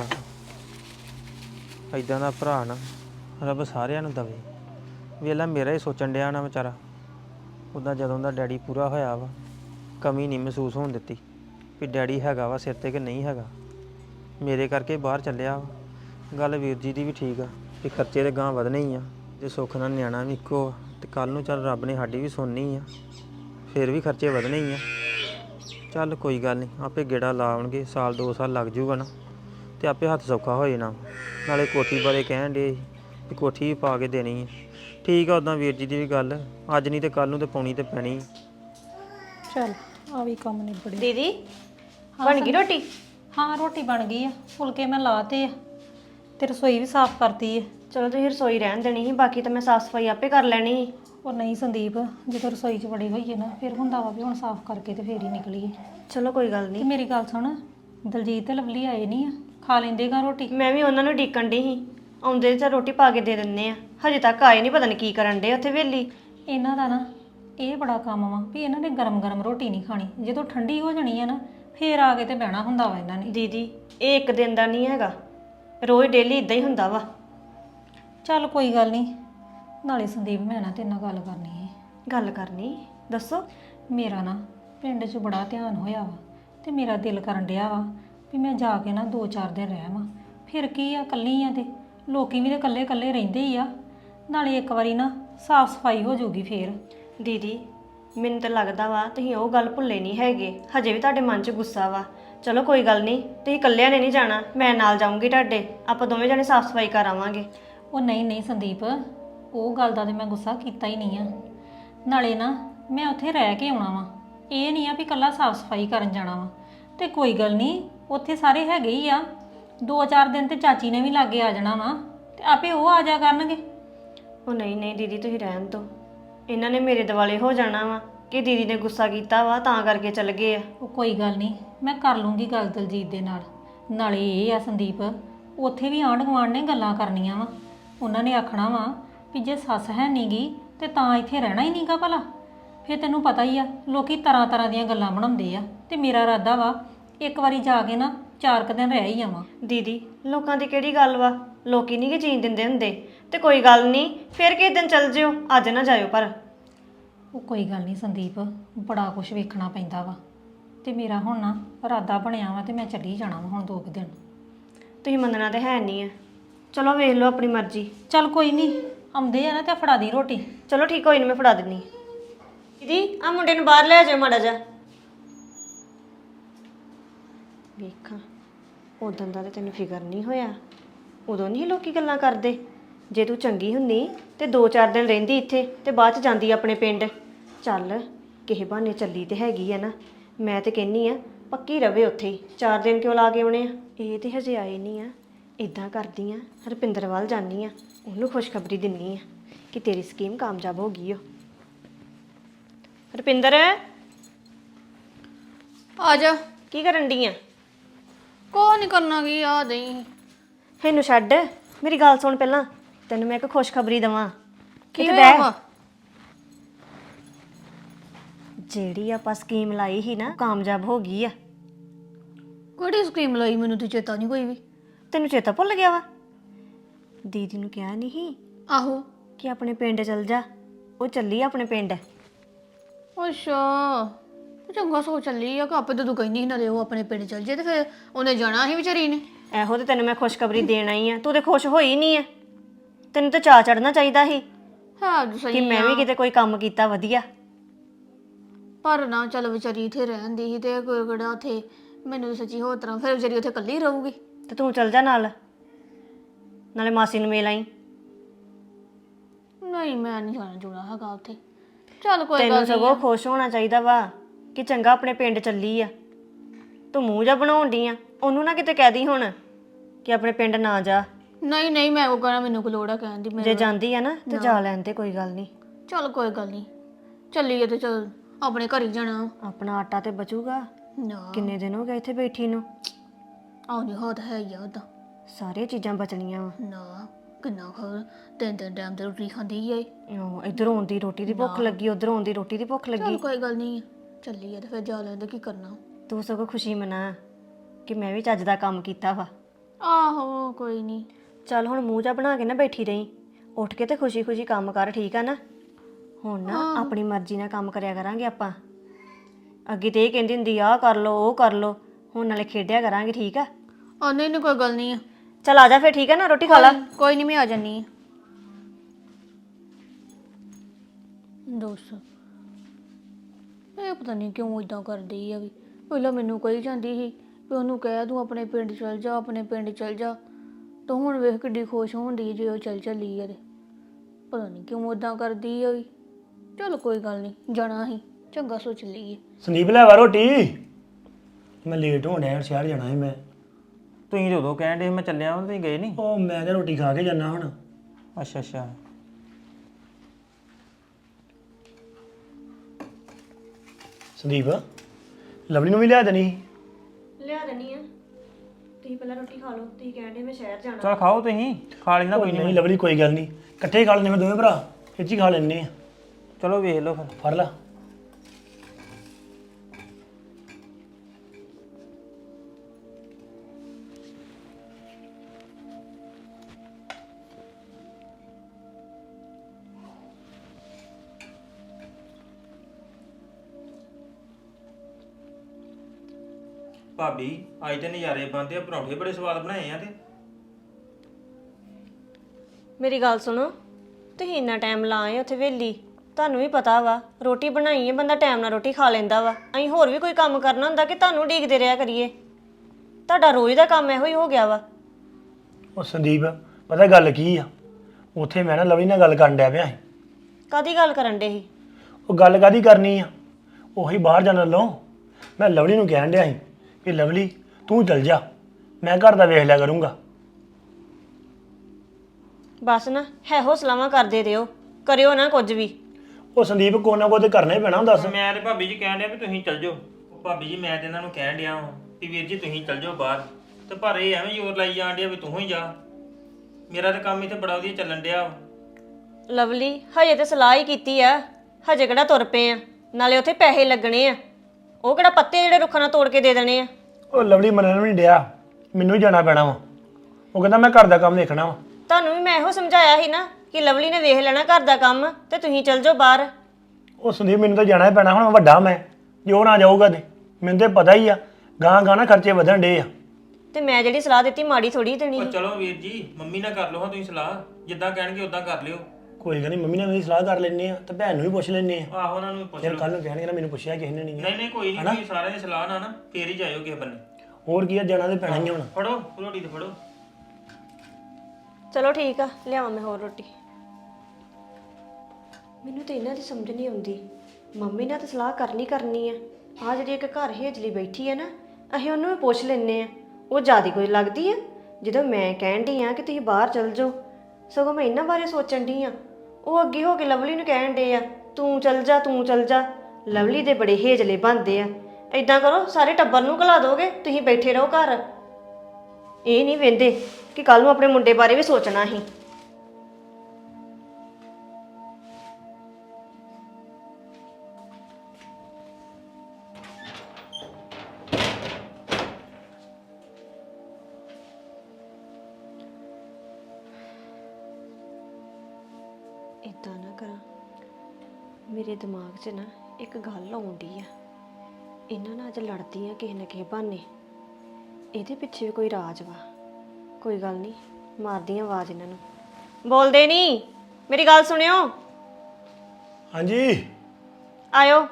D: ਐਦਾਂ ਦਾ ਭਰਾ ਨਾ ਰੱਬ ਸਾਰਿਆਂ ਨੂੰ ਦਵੇ। ਵੇਲਾ ਮੇਰਾ ਹੀ ਸੋਚਣ ਡਿਆ ਨਾ ਵਿਚਾਰਾ, ਉੱਦਾਂ ਜਦੋਂ ਦਾ ਡੈਡੀ ਪੂਰਾ ਹੋਇਆ ਵਾ ਕਮੀ ਨਹੀਂ ਮਹਿਸੂਸ ਹੋਣ ਦਿੱਤੀ ਵੀ ਡੈਡੀ ਹੈਗਾ ਵਾ ਸਿਰ ਤੇ ਕਿ ਨਹੀਂ ਹੈਗਾ। ਮੇਰੇ ਕਰਕੇ ਬਾਹਰ ਚੱਲਿਆ ਵਾ। ਗੱਲ ਵੀਰ ਜੀ ਦੀ ਵੀ ਠੀਕ ਆ ਕਿ ਖਰਚੇ ਤੇ ਗਾਂ ਵਧਣੇ ਹੀ ਆ, ਜੇ ਸੁੱਖ ਨਾਲ ਨਿਆਣਾ ਵੀ ਇੱਕੋ ਤੇ ਕੱਲ ਨੂੰ ਚੱਲ ਰੱਬ ਨੇ ਸਾਡੀ ਵੀ ਸੁਣਨੀ ਆ, ਫਿਰ ਵੀ ਖਰਚੇ ਵਧਣੇ ਹੀ ਆ। ਚੱਲ ਕੋਈ ਗੱਲ ਨਹੀਂ, ਆਪੇ ਗੇੜਾ ਲਾਉਣਗੇ, ਸਾਲ 2 ਸਾਲ ਲੱਗ ਜੂਗਾ ਨਾ ਤੇ ਆਪੇ ਹੱਥ ਸੌਖਾ ਹੋ ਜਾਣਾ। ਨਾਲੇ ਕੋਠੀ ਬਾਰੇ ਕਹਿਣ ਡੇ ਵੀ ਕੋਠੀ ਵੀ ਪਾ ਕੇ ਦੇਣੀ ਹੈ। ਠੀਕ ਆ, ਉੱਦਾਂ ਵੀਰ ਜੀ ਦੀ ਵੀ ਗੱਲ ਅੱਜ ਨਹੀਂ ਤੇ ਕੱਲ ਨੂੰ ਤੇ ਪਾਉਣੀ ਤੇ ਪੈਣੀ।
E: ਚੱਲ ਆ ਵੀ ਕੰਮ ਨਿਬੜੇ।
C: ਦੀਦੀ ਬਣ ਗਈ ਰੋਟੀ?
E: ਹਾਂ ਰੋਟੀ ਬਣ ਗਈ ਆ, ਫੁਲਕੇ ਮੈਂ ਲਾਤੇ ਆ ਤੇ ਰਸੋਈ ਵੀ ਸਾਫ਼ ਕਰਤੀ ਆ।
C: ਚਲੋ ਤੁਸੀਂ ਰਸੋਈ ਰਹਿਣ ਦੇਣੀ ਸੀ, ਬਾਕੀ ਤਾਂ ਮੈਂ ਸਾਫ਼ ਸਫਾਈ ਆਪੇ ਕਰ ਲੈਣੀ ਸੀ।
E: ਉਹ ਨਹੀਂ ਸੰਦੀਪ, ਜਦੋਂ ਰਸੋਈ 'ਚ ਵੜੀ ਹੋਈ ਹੈ ਨਾ ਫਿਰ ਹੁੰਦਾ ਵਾ ਵੀ ਹੁਣ ਸਾਫ਼ ਕਰਕੇ ਤੇ ਫੇਰ ਹੀ ਨਿਕਲੀਏ।
C: ਚਲੋ ਕੋਈ ਗੱਲ
E: ਤੇ
C: ਨਹੀਂ।
E: ਮੇਰੀ ਗੱਲ ਸੁਣ, ਦਲਜੀਤ ਤੇ ਲਵਲੀ ਆਏ ਨਹੀਂ ਆ, ਖਾ ਲੈਂਦੇਗਾ ਰੋਟੀ?
C: ਮੈਂ ਵੀ ਉਹਨਾਂ ਨੂੰ ਡੀਕਣ ਡਈ ਸੀ, ਆਉਂਦੇ ਤਾਂ ਰੋਟੀ ਪਾ ਕੇ ਦੇ ਦਿੰਦੇ ਆ, ਹਜੇ ਤੱਕ ਆਏ ਨਹੀਂ, ਪਤਾ ਨਹੀਂ ਕੀ ਕਰਨ ਡੇ ਉੱਥੇ ਵੇਲੀ।
E: ਇਹਨਾਂ ਦਾ ਨਾ ਇਹ ਬੜਾ ਕੰਮ ਵਾ ਵੀ ਇਹਨਾਂ ਨੇ ਗਰਮ ਗਰਮ ਰੋਟੀ ਨਹੀਂ ਖਾਣੀ, ਜਦੋਂ ਠੰਡੀ ਹੋ ਜਾਣੀ ਆ ਨਾ ਫੇਰ ਆ ਕੇ ਤੇ ਬਹਿਣਾ ਹੁੰਦਾ ਵਾ ਇਹਨਾਂ ਨੇ।
C: ਦੀਦੀ ਇਹ ਇੱਕ ਦਿਨ ਦਾ ਨਹੀਂ ਹੈਗਾ, ਰੋਜ਼ ਡੇਲੀ ਇਦਾਂ ਹੀ ਹੁੰਦਾ ਵਾ।
E: ਚੱਲ ਕੋਈ ਗੱਲ ਨਹੀਂ। ਨਾਲੇ ਸੰਦੀਪ ਮੈਂ ਨਾ ਤੇਰੇ ਨਾਲ ਗੱਲ ਕਰਨੀ ਹੈ।
C: ਗੱਲ ਕਰਨੀ ਦੱਸੋ।
E: ਮੇਰਾ ਨਾ ਪਿੰਡ 'ਚ ਬੜਾ ਧਿਆਨ ਹੋਇਆ ਵਾ ਤੇ ਮੇਰਾ ਦਿਲ ਕਰਨ ਡਿਆ ਵਾ ਵੀ ਮੈਂ ਜਾ ਕੇ ਨਾ 2-4 ਦਿਨ ਰਹਿ ਆਵਾਂ। ਫਿਰ ਕੀ ਆ, ਇਕੱਲੀ ਆ ਤੇ ਲੋਕੀ ਵੀ ਤੇ ਇਕੱਲੇ ਇਕੱਲੇ ਰਹਿੰਦੇ ਹੀ ਆ। ਨਾਲੇ ਇੱਕ ਵਾਰੀ ਨਾ ਸਾਫ਼ ਸਫਾਈ ਹੋ ਜਾਊਗੀ ਫੇਰ।
C: ਦੀਦੀ ਮੈਨੂੰ ਤਾਂ ਲੱਗਦਾ ਵਾ ਤੁਸੀਂ ਉਹ ਗੱਲ ਭੁੱਲੇ ਨਹੀਂ ਹੈਗੇ, ਹਜੇ ਵੀ ਤੁਹਾਡੇ ਮਨ 'ਚ ਗੁੱਸਾ ਵਾ। ਚਲੋ ਕੋਈ ਗੱਲ ਨਹੀਂ, ਤੁਸੀਂ ਇਕੱਲਿਆਂ ਨੇ ਨਹੀਂ ਜਾਣਾ, ਮੈਂ ਨਾਲ ਜਾਊਂਗੀ ਤੁਹਾਡੇ, ਆਪਾਂ ਦੋਵੇਂ ਜਣੇ ਸਾਫ਼ ਸਫਾਈ ਕਰ ਆਵਾਂਗੇ।
E: ਉਹ ਨਹੀਂ ਸੰਦੀਪ, ਉਹ ਗੱਲ ਦਾ ਤੇ ਮੈਂ ਗੁੱਸਾ ਕੀਤਾ ਹੀ ਨਹੀਂ ਆ। ਨਾਲੇ ਨਾ ਮੈਂ ਉੱਥੇ ਰਹਿ ਕੇ ਆਉਣਾ ਵਾ, ਇਹ ਨਹੀਂ ਆ ਵੀ ਇਕੱਲਾ ਸਾਫ਼ ਸਫਾਈ ਕਰਨ ਜਾਣਾ ਵਾ। ਤੇ ਕੋਈ ਗੱਲ ਨਹੀਂ, ਉੱਥੇ ਸਾਰੇ ਹੈਗੇ ਹੀ ਆ। 2-4 ਦਿਨ ਤੇ ਚਾਚੀ ਨੇ ਵੀ ਲਾਗੇ ਆ ਜਾਣਾ ਵਾ ਤੇ ਆਪੇ ਉਹ ਆ ਜਾ ਕਰਨਗੇ।
C: ਉਹ ਨਹੀਂ ਦੀਦੀ ਤੁਸੀਂ ਰਹਿਣ ਦਿਓ, ਇਹਨਾਂ ਨੇ ਮੇਰੇ ਦਿਵਾਲੇ ਹੋ ਜਾਣਾ ਵਾ ਕਿ ਦੀਦੀ ਨੇ ਗੁੱਸਾ ਕੀਤਾ ਵਾ ਤਾਂ ਕਰਕੇ ਚੱਲ ਗਏ ਆ।
E: ਉਹ ਕੋਈ ਗੱਲ ਨਹੀਂ, ਮੈਂ ਕਰ ਲੂੰਗੀ ਗੱਲ ਦਲਜੀਤ ਦੇ ਨਾਲ। ਨਾਲੇ ਇਹ ਆ ਸੰਦੀਪ, ਉੱਥੇ ਵੀ ਆਂਢ ਗੁਆਂਢ ਨੇ ਗੱਲਾਂ ਕਰਨੀਆਂ ਵਾ। ਉਹਨਾਂ ਨੇ ਆਖਣਾ ਵਾ ਵੀ ਜੇ ਸੱਸ ਹੈ ਨੀ ਗੀ ਤੇ ਤਾਂ ਇੱਥੇ ਰਹਿਣਾ ਹੀ ਨਹੀਂਗਾ ਭਲਾ। ਫਿਰ ਤੈਨੂੰ ਪਤਾ ਹੀ ਆ, ਲੋਕੀ ਤਰ੍ਹਾਂ ਤਰ੍ਹਾਂ ਦੀਆਂ ਗੱਲਾਂ ਬਣਾਉਂਦੇ ਆ। ਤੇ ਮੇਰਾ ਇਰਾਦਾ ਵਾ ਇੱਕ ਵਾਰੀ ਜਾ ਕੇ ਨਾ 4 ਕੁ ਦਿਨ ਰਹਿ ਹੀ ਆਵਾਂ।
C: ਦੀਦੀ ਲੋਕਾਂ ਦੀ ਕਿਹੜੀ ਗੱਲ ਵਾ, ਲੋਕੀ ਨਹੀਂ ਕਿ ਜੀਣ ਦਿੰਦੇ ਹੁੰਦੇ। ਤੇ ਕੋਈ ਗੱਲ ਨਹੀਂ, ਫਿਰ ਕਿਸੇ ਦਿਨ ਚੱਲ ਜਿਓ, ਅੱਜ ਨਾ ਜਾਇਓ। ਪਰ
E: ਉਹ ਕੋਈ ਗੱਲ ਨਹੀਂ ਸੰਦੀਪ, ਬੜਾ ਕੁਝ ਵੇਖਣਾ ਪੈਂਦਾ ਵਾ। ਤੇ ਮੇਰਾ ਹੁਣ ਨਾ ਇਰਾਦਾ ਬਣਿਆ ਵਾ ਤੇ ਮੈਂ ਚੱਲੀ ਜਾਣਾ ਵਾ ਹੁਣ 2 ਕੁ ਦਿਨ।
C: ਤੁਸੀਂ ਮੰਨਣਾ ਤੇ ਹੈ ਨਹੀਂ ਆ, ਚਲੋ ਵੇਖ ਲਓ ਆਪਣੀ ਮਰਜ਼ੀ।
E: ਚੱਲ ਕੋਈ ਨਹੀਂ, ਆਉਂਦੇ ਆ ਨਾ ਤੇ ਫੜਾ ਦੀ ਰੋਟੀ।
C: ਚਲੋ ਠੀਕ ਹੋਈ, ਨਹੀਂ ਮੈਂ ਫੜਾ ਦਿੰਨੀ। ਦੀਦੀ ਆ ਮੁੰਡੇ ਨੂੰ ਬਾਹਰ ਲੈ ਜਾਓ ਮਾੜਾ ਜਿਹਾ। ਵੇਖਾਂ ਉਦੋਂ ਦਾ ਤੇ ਤੈਨੂੰ ਫਿਕਰ ਨਹੀਂ ਹੋਇਆ, ਉਦੋਂ ਨਹੀਂ ਲੋਕੀ ਗੱਲਾਂ ਕਰਦੇ। ਜੇ ਤੂੰ ਚੰਗੀ ਹੁੰਦੀ ਤੇ 2-4 ਦਿਨ ਰਹਿੰਦੀ ਇੱਥੇ ਤੇ ਬਾਅਦ ਚ ਜਾਂਦੀ ਆਪਣੇ ਪਿੰਡ। ਚੱਲ ਕਿਸੇ ਬਹਾਨੇ ਚੱਲੀ ਤੇ ਹੈਗੀ ਆ ਨਾ, ਮੈਂ ਤੇ ਕਹਿੰਨੀ ਆ ਪੱਕੀ ਰਵੇ ਉੱਥੇ ਹੀ। 4 ਦਿਨ ਕਿਉਂ ਲਾ ਕੇ ਆਉਣੇ ਆ? ਇਹ ਤੇ ਹਜੇ ਆਏ ਨਹੀਂ ਆ। ਇਦਾਂ ਕਰਦੀ ਆ, ਰੁਪਿੰਦਰ ਵੱਲ ਜਾਂਦੀ ਆ, ਉਹਨੂੰ ਖੁਸ਼ਖਬਰੀ ਦਿੰਨੀ ਆ ਕਿ ਤੇਰੀ ਸਕੀਮ ਕਾਮਯਾਬ ਹੋ ਗਈ ਓ। ਰੁਪਿੰਦਰ
F: ਆ ਜਾ।
C: ਕੀ ਕਰਨ ਡਈ ਆ?
F: ਕੋ ਨਹੀਂ ਕਰਨਾ ਕੀ ਆ ਦਈ।
C: ਇਹਨੂੰ ਛੱਡ, ਮੇਰੀ ਗੱਲ ਸੁਣ ਪਹਿਲਾਂ, ਤੈਨੂੰ ਮੈਂ ਇੱਕ ਖੁਸ਼ਖਬਰੀ ਦਵਾਂ।
F: ਕੀ ਹੋਇਆ ਵਾ?
C: ਜਿਹੜੀ ਆਪਾਂ ਸਕੀਮ ਲਾਈ ਸੀ ਨਾ, ਕਾਮਯਾਬ ਹੋ ਗਈ ਆ।
F: ਕਿਹੜੀ ਸਕੀਮ ਲਈ? ਮੈਨੂੰ ਤੇ ਚੇਤਾ ਨਹੀਂ ਕੋਈ ਵੀ।
C: ਤੈਨੂੰ ਚੇਤਾ ਭੁੱਲ ਗਿਆ ਵਾ? ਦੀਦੀ ਨੂੰ ਕਿਹਾ ਨਹੀਂ ਸੀ
F: ਆਹੋ।
C: ਕਿ ਆਪਣੇ ਪਿੰਡ ਚੱਲ ਜਾ, ਉਹ ਚੱਲੀ ਆਪਣੇ ਪਿੰਡ।
F: ਅੱਛਾ, ਚੰਗਾ ਸੋ ਚੱਲੀ ਆ ਕਿ ਆਪੇ ਤਾਂ ਤੂੰ ਕਹਿੰਦੀ ਸੀ ਨਾਲੇ ਉਹ ਆਪਣੇ ਪਿੰਡ ਚੱਲ ਜੇ ਤੇ ਫਿਰ ਉਹਨੇ ਜਾਣਾ ਸੀ ਵਿਚਾਰੀ ਨੇ।
C: ਇਹੋ ਤੇ ਤੈਨੂੰ ਮੈਂ ਖੁਸ਼ਖਬਰੀ ਦੇਣ ਆਈ ਆ, ਤੂੰ ਤੇ ਖੁਸ਼ ਹੋਈ ਨਹੀਂ ਆ। ਤੈਨੂੰ ਤਾਂ ਚਾਅ ਚੜਨਾ ਚਾਹੀਦਾ ਸੀ
F: ਹੈ
C: ਕਿ
F: ਸਹੀ
C: ਮੈਂ ਵੀ ਕਿਤੇ ਕੋਈ ਕੰਮ ਕੀਤਾ ਵਧੀਆ।
F: ਪਰ ਨਾ ਚੱਲ ਵਿਚਾਰੀ ਇੱਥੇ ਰਹਿੰਦੀ ਸੀ ਤੇ ਕੋਈ ਕਿਹੜਾ ਉੱਥੇ ਮੈਨੂੰ ਸੱਚੀ ਹੋਰ ਤਰ੍ਹਾਂ, ਫਿਰ ਵਿਚਾਰੀ ਉੱਥੇ ਇਕੱਲੀ ਰਹੂਗੀ।
C: ਤੇ ਤੂੰ ਚੱਲ ਜਾ ਨਾਲ, ਨਾਲੇ ਮਾਸੀ ਨੂੰ ਮਿਲ ਆਈ।
F: ਨਹੀਂ ਮੈਂ ਨਹੀਂ ਜਾਣਾ ਜੁਣਾ ਹੈਗਾ ਉੱਥੇ। ਚੱਲ ਕੋਈ
C: ਤੈਨੂੰ
F: ਗੱਲ
C: ਸਗੋਂ ਖੁਸ਼ ਹੋਣਾ ਚਾਹੀਦਾ ਵਾ ਕਿ ਚੰਗਾ ਆਪਣੇ ਪਿੰਡ ਚੱਲੀ ਆ। ਤੂੰ ਮੂੰਹ ਜਾ ਬਣਾਉਣ ਡਈ ਆ, ਉਹਨੂੰ ਨਾ ਕਿਤੇ ਕਹਿ ਦੀ ਹੁਣ ਕਿ ਆਪਣੇ ਪਿੰਡ ਨਾ ਜਾ।
F: ਨਹੀਂ ਮੈਂ ਉਹ ਕਹਣਾ, ਮੈਨੂੰ ਕੋਈ ਲੋੜ ਆ ਕਹਿਣ ਦੀ।
C: ਜੇ ਜਾਂਦੀ ਆ ਨਾ ਤੇ ਜਾ ਲੈਣ ਤੇ, ਕੋਈ ਗੱਲ ਨਹੀਂ।
F: ਚੱਲ ਕੋਈ ਗੱਲ ਨਹੀਂ, ਚੱਲੀਏ ਤੇ ਚੱਲ ਆਪਣੇ ਘਰ ਹੀ ਜਾਣਾ।
C: ਆਪਣਾ ਆਟਾ ਤੇ ਬਚੂਗਾ।
F: ਨਾ
C: ਕਿੰਨੇ ਦਿਨ ਹੋ ਗਏ ਇੱਥੇ ਬੈਠੀ ਨੂੰ।
F: ਆਉਣੀ ਹੱਦ ਹੈ ਹੀ ਆ ਉਹਦਾ।
C: ਸਾਰੀਆਂ ਚੀਜ਼ਾਂ ਬਚਣੀਆਂ ਵਾ।
F: ਨਾ ਕਿੰਨਾ ਖਾ 3 ਟਾਈਮ ਤੇ ਰੋਟੀ ਖਾਂਦੀ ਏ।
C: ਇੱਧਰੋਂ ਆਉਂਦੀ ਰੋਟੀ ਦੀ ਭੁੱਖ ਲੱਗੀ, ਉੱਧਰੋਂ ਆਉਂਦੀ ਰੋਟੀ ਦੀ ਭੁੱਖ ਲੱਗੀ।
F: ਚੱਲ ਕੋਈ ਗੱਲ ਨਹੀਂ, ਚੱਲੀਏ ਤੇ ਫਿਰ ਜਾ ਲੈਂਦੇ, ਕੀ ਕਰਨਾ।
C: ਤੂੰ ਸਗੋਂ ਖੁਸ਼ੀ ਮਨਾ ਕਿ ਮੈਂ ਵੀ ਚੱਜ ਦਾ ਕੰਮ ਕੀਤਾ ਵਾ।
F: ਆਹੋ ਕੋਈ ਨਹੀਂ।
C: ਚੱਲ ਹੁਣ ਮੂੰਹ ਜਾ ਬਣਾ ਕੇ ਨਾ ਬੈਠੀ ਰਹੀ, ਉੱਠ ਕੇ ਤੇ ਖੁਸ਼ੀ ਕੰਮ ਕਰ, ਠੀਕ ਆ ਨਾ? ਹੁਣ ਨਾ ਆਪਣੀ ਮਰਜ਼ੀ ਨਾਲ ਕੰਮ ਕਰਿਆ ਕਰਾਂਗੇ ਆਪਾਂ। ਅੱਗੇ ਤੇ ਇਹ ਕਹਿੰਦੀ ਹੁੰਦੀ ਆਹ ਕਰ ਲੋ ਉਹ ਕਰ ਲੋ, ਹੁਣ ਨਾਲੇ ਖੇਡਿਆ ਕਰਾਂਗੇ, ਠੀਕ ਆ?
F: ਨਹੀਂ ਕੋਈ ਗੱਲ ਨਹੀਂ।
C: ਚੱਲ ਆ ਜਾ ਫਿਰ, ਠੀਕ ਆ ਨਾ? ਰੋਟੀ ਖਾ ਲਾ।
F: ਕੋਈ ਨਹੀਂ, ਮੈਂ ਆ ਜਾਨੀ ਆ। ਦੋਸਤ ਇਹ ਪਤਾ ਨਹੀਂ ਕਿਉਂ ਇਦਾਂ ਕਰਦੀ ਆ ਵੀ। ਪਹਿਲਾਂ ਮੈਨੂੰ ਕਹੀ ਜਾਂਦੀ ਸੀ ਵੀ ਉਹਨੂੰ ਕਹਿ ਤੂੰ ਆਪਣੇ ਪਿੰਡ ਚਲ ਜਾ, ਆਪਣੇ ਪਿੰਡ ਚਲ ਜਾ। ਤਾਂ ਹੁਣ ਵੇਖ ਕਿੱਡੀ ਖੁਸ਼ ਹੁੰਦੀ ਜੇ ਉਹ ਚੱਲੀ ਆ ਤੇ ਪਤਾ ਨਹੀਂ ਕਿਉਂ ਇਦਾਂ ਕਰਦੀ ਆ ਵੀ। ਚਲ ਕੋਈ ਗੱਲ ਨਹੀਂ, ਜਾਣਾ ਹੀ ਚੰਗਾ ਸੋ ਚੱਲੀਏ।
B: ਸੰਦੀਪ ਲੈ ਵਾ ਰੋਟੀ, ਮੈਂ ਲੇਟ ਹੋਣ ਡਿਆ, ਸ਼ਹਿਰ ਜਾਣਾ ਸੀ ਮੈਂ।
D: ਤੁਸੀਂ ਉਦੋਂ ਕਹਿਣ ਦੇ ਮੈਂ ਚੱਲਿਆ ਹਾਂ, ਤੁਸੀਂ ਗਏ ਨਹੀਂ?
B: ਉਹ ਮੈਂ ਤਾਂ ਰੋਟੀ ਖਾ ਕੇ ਜਾਣਾ ਹੁਣ।
D: ਅੱਛਾ
B: ਸੰਦੀਪ ਲਵਲੀ ਨੂੰ ਵੀ ਲਿਆ ਦੇਣੀ ਸੀ।
C: ਲਿਆ ਦੇਣੀ ਆ, ਤੁਸੀਂ ਪਹਿਲਾਂ ਰੋਟੀ ਖਾ ਲਓ। ਤੁਸੀਂ ਕਹਿੰਦੇ ਮੈਂ ਸ਼ਹਿਰ ਜਾਣਾ।
D: ਚਲ ਖਾਓ, ਤੁਸੀਂ ਖਾ ਲੈਣਾ ਕੋਈ
B: ਨਹੀਂ
D: ਨਹੀਂ।
B: ਲਵਲੀ ਕੋਈ ਗੱਲ ਨਹੀਂ, ਇਕੱਠੇ ਹੀ ਖਾ ਲੈਣੇ ਮੈਂ, ਦੋਵੇਂ ਭਰਾ ਇਹ 'ਚ ਹੀ ਖਾ ਲੈਣੇ ਆ।
D: ਚਲੋ ਵੇਖ ਲਓ ਫਿਰ।
B: ਫੜ ਲਾ।
D: ਭਾਬੀ ਅੱਜ ਤੇ ਨਜ਼ਾਰੇ ਬੰਦੇ ਆ, ਪਰੌਂਠੇ ਬੜੇ ਸਵਾਦ ਬਣਾਏ ਆ ਤੇ
C: ਮੇਰੀ ਗੱਲ ਸੁਣੋ, ਤੁਸੀਂ ਇੰਨਾ ਟਾਈਮ ਲਾਏ ਉੱਥੇ ਵੇਲੀ, ਤੁਹਾਨੂੰ ਵੀ ਪਤਾ ਵਾ ਰੋਟੀ ਬਣਾਈ ਹੈ, ਬੰਦਾ ਟਾਈਮ ਨਾਲ ਰੋਟੀ ਖਾ ਲੈਂਦਾ ਵਾ। ਅਸੀਂ ਹੋਰ ਵੀ ਕੋਈ ਕੰਮ ਕਰਨਾ ਹੁੰਦਾ ਕਿ ਤੁਹਾਨੂੰ ਉਡੀਕਦੇ ਰਿਹਾ ਕਰੀਏ? ਤੁਹਾਡਾ ਰੋਜ਼ ਦਾ ਕੰਮ ਇਹੋ ਹੀ ਹੋ ਗਿਆ ਵਾ।
B: ਉਹ ਸੰਦੀਪ ਪਤਾ ਗੱਲ ਕੀ ਆ, ਉੱਥੇ ਮੈਂ ਨਾ ਲਵਲੀ ਨਾਲ ਗੱਲ ਕਰਨ ਡਿਆ ਪਿਆ ਸੀ।
C: ਕਾਦੀ ਗੱਲ ਕਰਨ ਡੇ ਸੀ?
B: ਉਹ ਗੱਲ ਕਾਦੀ ਕਰਨੀ ਆ, ਉਹੀ ਬਾਹਰ ਜਾਣ ਵੱਲੋਂ ਮੈਂ ਲਵਲੀ ਨੂੰ ਕਹਿਣ ਡਿਆ ਸੀ ਕਿ ਲਵਲੀ ਤੂੰ ਚੱਲ ਜਾ, ਮੈਂ ਘਰ ਦਾ ਵੇਖ ਲਿਆ ਕਰੂੰਗਾ।
C: ਬਸ ਨਾ ਹੈ ਹੌਸਲਾਵਾਂ ਕਰਦੇ ਰਹੋ, ਕਰਿਓ ਨਾ ਕੁਝ ਵੀ।
B: ਉਹ ਸੰਦੀਪ ਕੋਈ ਨਾ ਕੋਈ ਤੇ ਕਰਨਾ ਹੀ ਪੈਣਾ ਹੁੰਦਾ। ਦੱਸ
D: ਮੈਂ ਤੇ ਭਾਬੀ ਜੀ ਕਹਿਣ ਡਿਆ ਵੀ ਤੁਸੀਂ ਚੱਲ ਜਾਓ। ਉਹ ਭਾਬੀ ਜੀ ਮੈਂ ਤੇ ਇਹਨਾਂ ਨੂੰ ਕਹਿਣ ਡਿਆ ਹਾਂ ਵੀ ਵੀਰ ਜੀ ਤੁਸੀਂ ਚੱਲ ਜਾਓ ਬਾਹਰ, ਤੇ ਪਰ ਇਹ ਐਵੇਂ ਜ਼ੋਰ ਲਾਈ ਜਾਣ ਡਿਆ ਵੀ ਤੂੰ ਹੀ ਜਾ। ਮੇਰਾ ਤਾਂ ਕੰਮ ਇੱਥੇ ਬੜਾ ਵਧੀਆ ਚੱਲਣ ਡਿਆ ਵਾ।
C: ਲਵਲੀ ਹਜੇ ਤੇ ਸਲਾਹ ਹੀ ਕੀਤੀ ਆ, ਹਜੇ ਕਿਹੜਾ ਤੁਰ ਪਏ ਆ, ਨਾਲੇ ਉੱਥੇ ਪੈਸੇ ਲੱਗਣੇ ਆ, ਉਹ ਕਿਹੜਾ ਪੱਤੇ ਜਿਹੜੇ ਰੁੱਖਾਂ ਨਾਲ ਤੋੜ ਕੇ ਦੇ ਦੇਣੇ ਆ।
B: ਉਹ ਲਵਲੀ ਮੰਨਣ ਵੀ ਨਹੀਂ ਡਿਆ, ਮੈਨੂੰ ਹੀ ਜਾਣਾ ਪੈਣਾ ਵਾ। ਉਹ ਕਹਿੰਦਾ ਮੈਂ ਘਰ ਦਾ ਕੰਮ ਦੇਖਣਾ ਵਾ।
C: ਤੁਹਾਨੂੰ ਵੀ ਮੈਂ ਇਹੋ ਸਮਝਾਇਆ ਸੀ ਨਾ ਕਿ ਲਵਲੀ ਨੇ ਵੇਖ ਲੈਣਾ ਘਰ ਦਾ ਕੰਮ ਤੇ ਤੁਸੀਂ ਚੱਲ ਜਾਓ ਬਾਹਰ।
B: ਉਹ ਸੰਦੀਪ ਮੈਨੂੰ ਤਾਂ ਜਾਣਾ ਹੀ ਪੈਣਾ, ਹੁਣ ਵੱਡਾ ਮੈਂ, ਜੇ ਉਹ ਨਾ ਜਾਊਗਾ ਤੇ ਮੈਨੂੰ ਤੇ ਪਤਾ ਹੀ ਆ ਗਾਂ ਗਾਂ ਨਾ ਖਰਚੇ ਵਧਣ ਡੇ ਆ।
C: ਤੇ ਮੈਂ ਜਿਹੜੀ ਸਲਾਹ ਦਿੱਤੀ ਮਾੜੀ ਥੋੜੀ ਦੇਣੀ
D: ਉਹ
C: ਸੀ।
D: ਚਲੋ ਵੀਰ ਜੀ ਮੰਮੀ ਨਾਲ ਕਰ ਲਓ ਹਾਂ ਤੁਸੀਂ ਸਲਾਹ, ਜਿੱਦਾਂ ਕਹਿਣਗੇ ਉਦਾਂ ਕਰ ਲਿਓ।
B: ਕੋਈ ਗੱਲ ਨਹੀਂ, ਮੰਮੀ ਨਾਲ ਮੇਰੀ ਸਲਾਹ ਕਰ ਲੈਂਦੇ ਆ ਤੇ ਭੈਣ ਨੂੰ ਵੀ ਪੁੱਛ ਲੈਂਦੇ ਆ।
D: ਆਹੋ ਉਹਨਾਂ ਨੂੰ ਵੀ ਪੁੱਛ
B: ਫਿਰ
D: ਲਓ।
B: ਕੱਲ ਨੂੰ ਕਹਿਣਗੇ ਨਾ ਮੈਨੂੰ ਪੁੱਛਿਆ ਕਿਸੇ ਨੇ ਨਹੀਂ।
D: ਨਹੀਂ ਨਹੀਂ ਕੋਈ ਨਹੀਂ, ਤੁਸੀਂ ਸਾਰਿਆਂ ਦੀ ਸਲਾਹ ਨਾਲ ਨਾ ਫੇਰ ਹੀ ਜਾਇਓ ਕਿਸੇ ਬੰਨੇ।
B: ਹੋਰ ਕੀ ਆ, ਜਾਣਾ ਤੇ ਪੈਣਾ ਹੀ ਆ ਹੁਣ।
D: ਫੜੋ ਰੋਟੀ ਤੇ ਫੜੋ।
C: ਚਲੋ ਠੀਕ ਆ, ਲਿਆਵਾਂ ਮੈਂ ਹੋਰ ਰੋਟੀ। ਮੈਨੂੰ ਤਾਂ ਇਹਨਾਂ ਦੀ ਸਮਝ ਨਹੀਂ ਆਉਂਦੀ, ਮੰਮੀ ਨਾਲ ਤਾਂ ਸਲਾਹ ਕਰਨੀ ਆ। ਆ ਜਿਹੜੀ ਇੱਕ ਘਰ ਹੇਜਲੀ ਬੈਠੀ ਆ ਨਾ, ਅਸੀਂ ਉਹਨੂੰ ਵੀ ਪੁੱਛ ਲੈਂਦੇ ਆ, ਉਹ ਜ਼ਿਆਦਾ ਕੋਈ ਲੱਗਦੀ ਆ। ਜਦੋਂ ਮੈਂ ਕਹਿਣ ਡਈ ਆ ਕਿ ਤੁਸੀਂ ਬਾਹਰ ਚਲ ਜਾਓ, ਸਗੋਂ ਮੈਂ ਇਹਨਾਂ ਬਾਰੇ ਸੋਚਣ ਡਈ ਆ। ਉਹ ਅੱਗੇ ਹੋ ਕੇ ਲਵਲੀ ਨੂੰ ਕਹਿਣ ਡੇ ਆ ਤੂੰ ਚਲ ਜਾ ਤੂੰ ਚਲ ਜਾ। ਲਵਲੀ ਦੇ ਬੜੇ ਹੇਜਲੇ ਬਣਦੇ ਆ। ਇਦਾਂ ਕਰੋ ਸਾਰੇ ਟੱਬਰ ਨੂੰ ਘਲਾ ਦੋਗੇ, ਤੁਸੀਂ ਬੈਠੇ ਰਹੋ ਘਰ। ਇਹ ਨਹੀਂ ਵੇਂਦੇ ਕਿ ਕੱਲ ਨੂੰ ਆਪਣੇ ਮੁੰਡੇ ਬਾਰੇ ਵੀ ਸੋਚਣਾ ਸੀ। ਇਦਾਂ ਨਾ ਕਰਾਂ, ਮੇਰੇ ਦਿਮਾਗ 'ਚ ਨਾ ਇੱਕ ਗੱਲ ਆਉਂਦੀ ਆ। ਇਹਨਾਂ ਨਾਲ ਅੱਜ ਲੜਦੀ ਆ ਕਿਸੇ ਨਾ ਕਿਸੇ ਬਹਾਨੇ, ਇਹਦੇ ਪਿੱਛੇ ਵੀ ਕੋਈ ਰਾਜ ਵਾ। ਕੋਈ ਗੱਲ ਨਹੀਂ, ਮਾਰਦੀ ਆ ਆਵਾਜ਼ ਇਹਨਾਂ ਨੂੰ। ਬੋਲਦੇ ਨਹੀਂ, ਮੇਰੀ ਗੱਲ ਸੁਣਿਓ।
B: ਹਾਂਜੀ
C: ਆਇਓ।